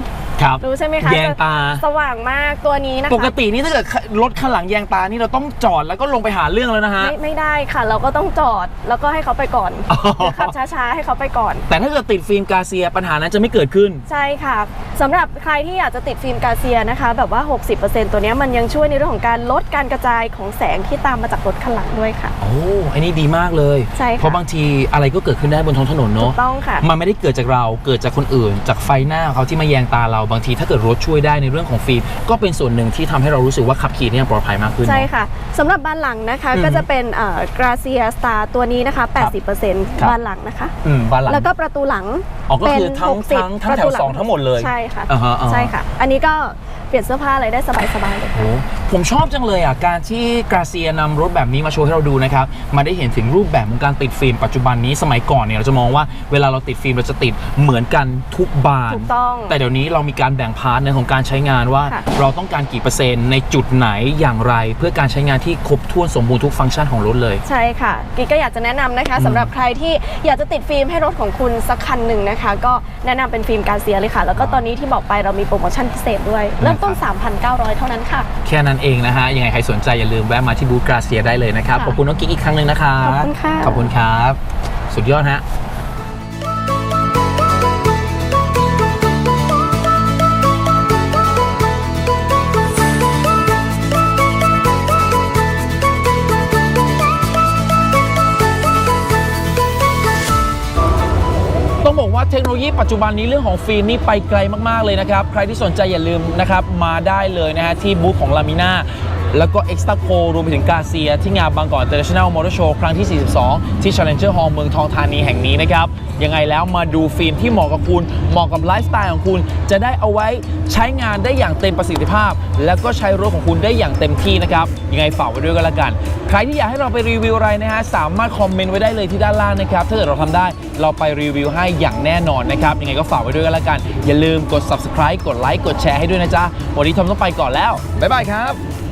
[SPEAKER 1] ครับ
[SPEAKER 5] รู้ใช่ไหมคะ
[SPEAKER 1] แยงตา
[SPEAKER 5] สว่างมากตัวนี้นะคะ
[SPEAKER 1] ปกตินี่ถ้าเกิดรถข้างหลังแยงตานี่เราต้องจอดแล้วก็ลงไปหาเรื่องแล้วนะฮะ
[SPEAKER 5] ไม่ได้ค่ะ เราก็ต้องจอดแล้วก็ให้เขาไปก่อน
[SPEAKER 1] อ๋อ
[SPEAKER 5] เดี๋ยวขับช้าๆให้เขาไปก่อน
[SPEAKER 1] แต่ถ้าเกิดติดฟิล์มกาเซียปัญหานั้นจะไม่เกิดขึ้น
[SPEAKER 5] ใช่ค่ะสำหรับใครที่อยากจะติดฟิล์มกาเซียนะคะแบบว่า 60%ตัวเนี้ยมันยังช่วยในเรื่องของการลดการกระจายของแสงที่ตามมาจากรถคันหลังด้วยค่ะ
[SPEAKER 1] โอ้อันนี้ดีมากเลย
[SPEAKER 5] ใช่ค่ะ
[SPEAKER 1] เพราะบางทีอะไรก็เกิดขึ้นได้บนท้องถนน
[SPEAKER 5] ถู
[SPEAKER 1] เนาะ
[SPEAKER 5] กต้องค่ะ
[SPEAKER 1] มันไม่ได้เกิดจากเราเกิดจากคนอื่น จากไฟหน้าของเขาที่มาแยงตาเราบางทีถ้าเกิดรถช่วยได้ในเรื่องของฟิล์มก็เป็นส่วนหนึ่งที่ทำให้เรารู้สึกว่าขับขี่เนี่ยปลอดภัยมากขึ้น
[SPEAKER 5] ใช่
[SPEAKER 1] เนาะ
[SPEAKER 5] ค่ะสำหรับบานหลังนะคะ
[SPEAKER 1] อืม
[SPEAKER 5] ก็จะเป็นกราเซียสตาร์ตัวนี้นะคะ
[SPEAKER 1] ครับ
[SPEAKER 5] 80%บานหลังนะคะ
[SPEAKER 1] บ้านหลัง
[SPEAKER 5] แล้วก็ประตูหลัง
[SPEAKER 1] อ๋อก็คือ
[SPEAKER 5] เป็น
[SPEAKER 1] ทั้ง
[SPEAKER 5] 60
[SPEAKER 1] แถว
[SPEAKER 5] ประตูหลั
[SPEAKER 1] 2ทั้งหมดเลย
[SPEAKER 5] ใช่ค่ะ
[SPEAKER 1] อ่าฮะอ่าฮะ
[SPEAKER 5] ใช่ค่ะ อันนี้ก็เปลี่ยนเสื้อผ้าอะไรได้สบายๆเลยค่ะ
[SPEAKER 1] โอ้ผมชอบจังเลยอ่ะการที่กราเซียนำรถแบบนี้มาโชว์ให้เราดูนะครับมาได้เห็นถึงรูปแบบของการติดฟิล์มปัจจุบันนี้สมัยก่อนเนี่ยเราจะมองว่าเวลาเราติดฟิล์มเราจะติดเหมือนกันทุกบาน
[SPEAKER 5] ถูกต้อง
[SPEAKER 1] แต่เดี๋ยวนี้เรามีการแบ่งพาร์ทในของการใช้งานว่า
[SPEAKER 5] ค่ะ
[SPEAKER 1] เราต้องการกี่เปอร์เซ็นต์ในจุดไหนอย่างไร เพื่อการใช้งานที่ครบถ้วนสมบูรณ์ทุกฟังก์ชันของรถเลย
[SPEAKER 5] ใช่ค่ะกิ๊กก็อยากจะแนะนำนะคะสำหรับใครที่อยากจะติดฟิล์มให้รถของคุณสักคันหนึ่งนะคะ ก็แนะนำเป็นฟิล์มกาเซียเลยค่ะ แล้วก็ตอนนี้ที่บอกไปเรามีโปรโมชั่นพิเศษด้วย เริ่มต้น 3,900 เท่านั้นค่ะ
[SPEAKER 1] แค่นั้นเองนะฮะยังไงใครสนใจอย่าลืมแวะมาที่บูธกราเซียได้เลยนะครับ
[SPEAKER 5] ค่ะ
[SPEAKER 1] ขอบคุณน้องกิ๊กอีกครั้งหนึ่งนะครับ
[SPEAKER 5] ขอบคุณค่ะ
[SPEAKER 1] ขอบคุณครับ สุดยอดฮะ ต้องบอกว่าเทคโนโลยีปัจจุบันนี้เรื่องของฟิล์มนี่ไปไกลมากๆเลยนะครับ ใครที่สนใจอย่าลืมนะครับมาได้เลยนะฮะที่บูธของลามิน่าแล้วก็ Extra Co รวมไปถึงกาเซียที่งานบางกอก International Motor Show ครั้งที่ 42 ที่ Challenger Hall เมืองทองธานีแห่งนี้นะครับยังไงแล้วมาดูฟิล์มที่เหมาะกับคุณเหมาะกับไลฟ์สไตล์ของคุณจะได้เอาไว้ใช้งานได้อย่างเต็มประสิทธิภาพ แล้วก็ใช้รถของคุณได้อย่างเต็มที่นะครับยังไงฝากไว้ด้วยกันละกันใครที่อยากให้เราไปรีวิวอะไรนะฮะสามารถคอมเมนต์ไว้ได้เลยที่ด้านล่างนะครับถ้าเกิดเราทำได้เราไปรีวิวให้อย่างแน่นอนนะครับยังไงก็ฝากไว้ด้วยกันละกันอย่าลืมกด subscribe กดไลค์กดแชร์ให้ด้วยนะจ๊ะวันนี้ทอมต้องไปก่อนแล้วบ๊ายบายครับ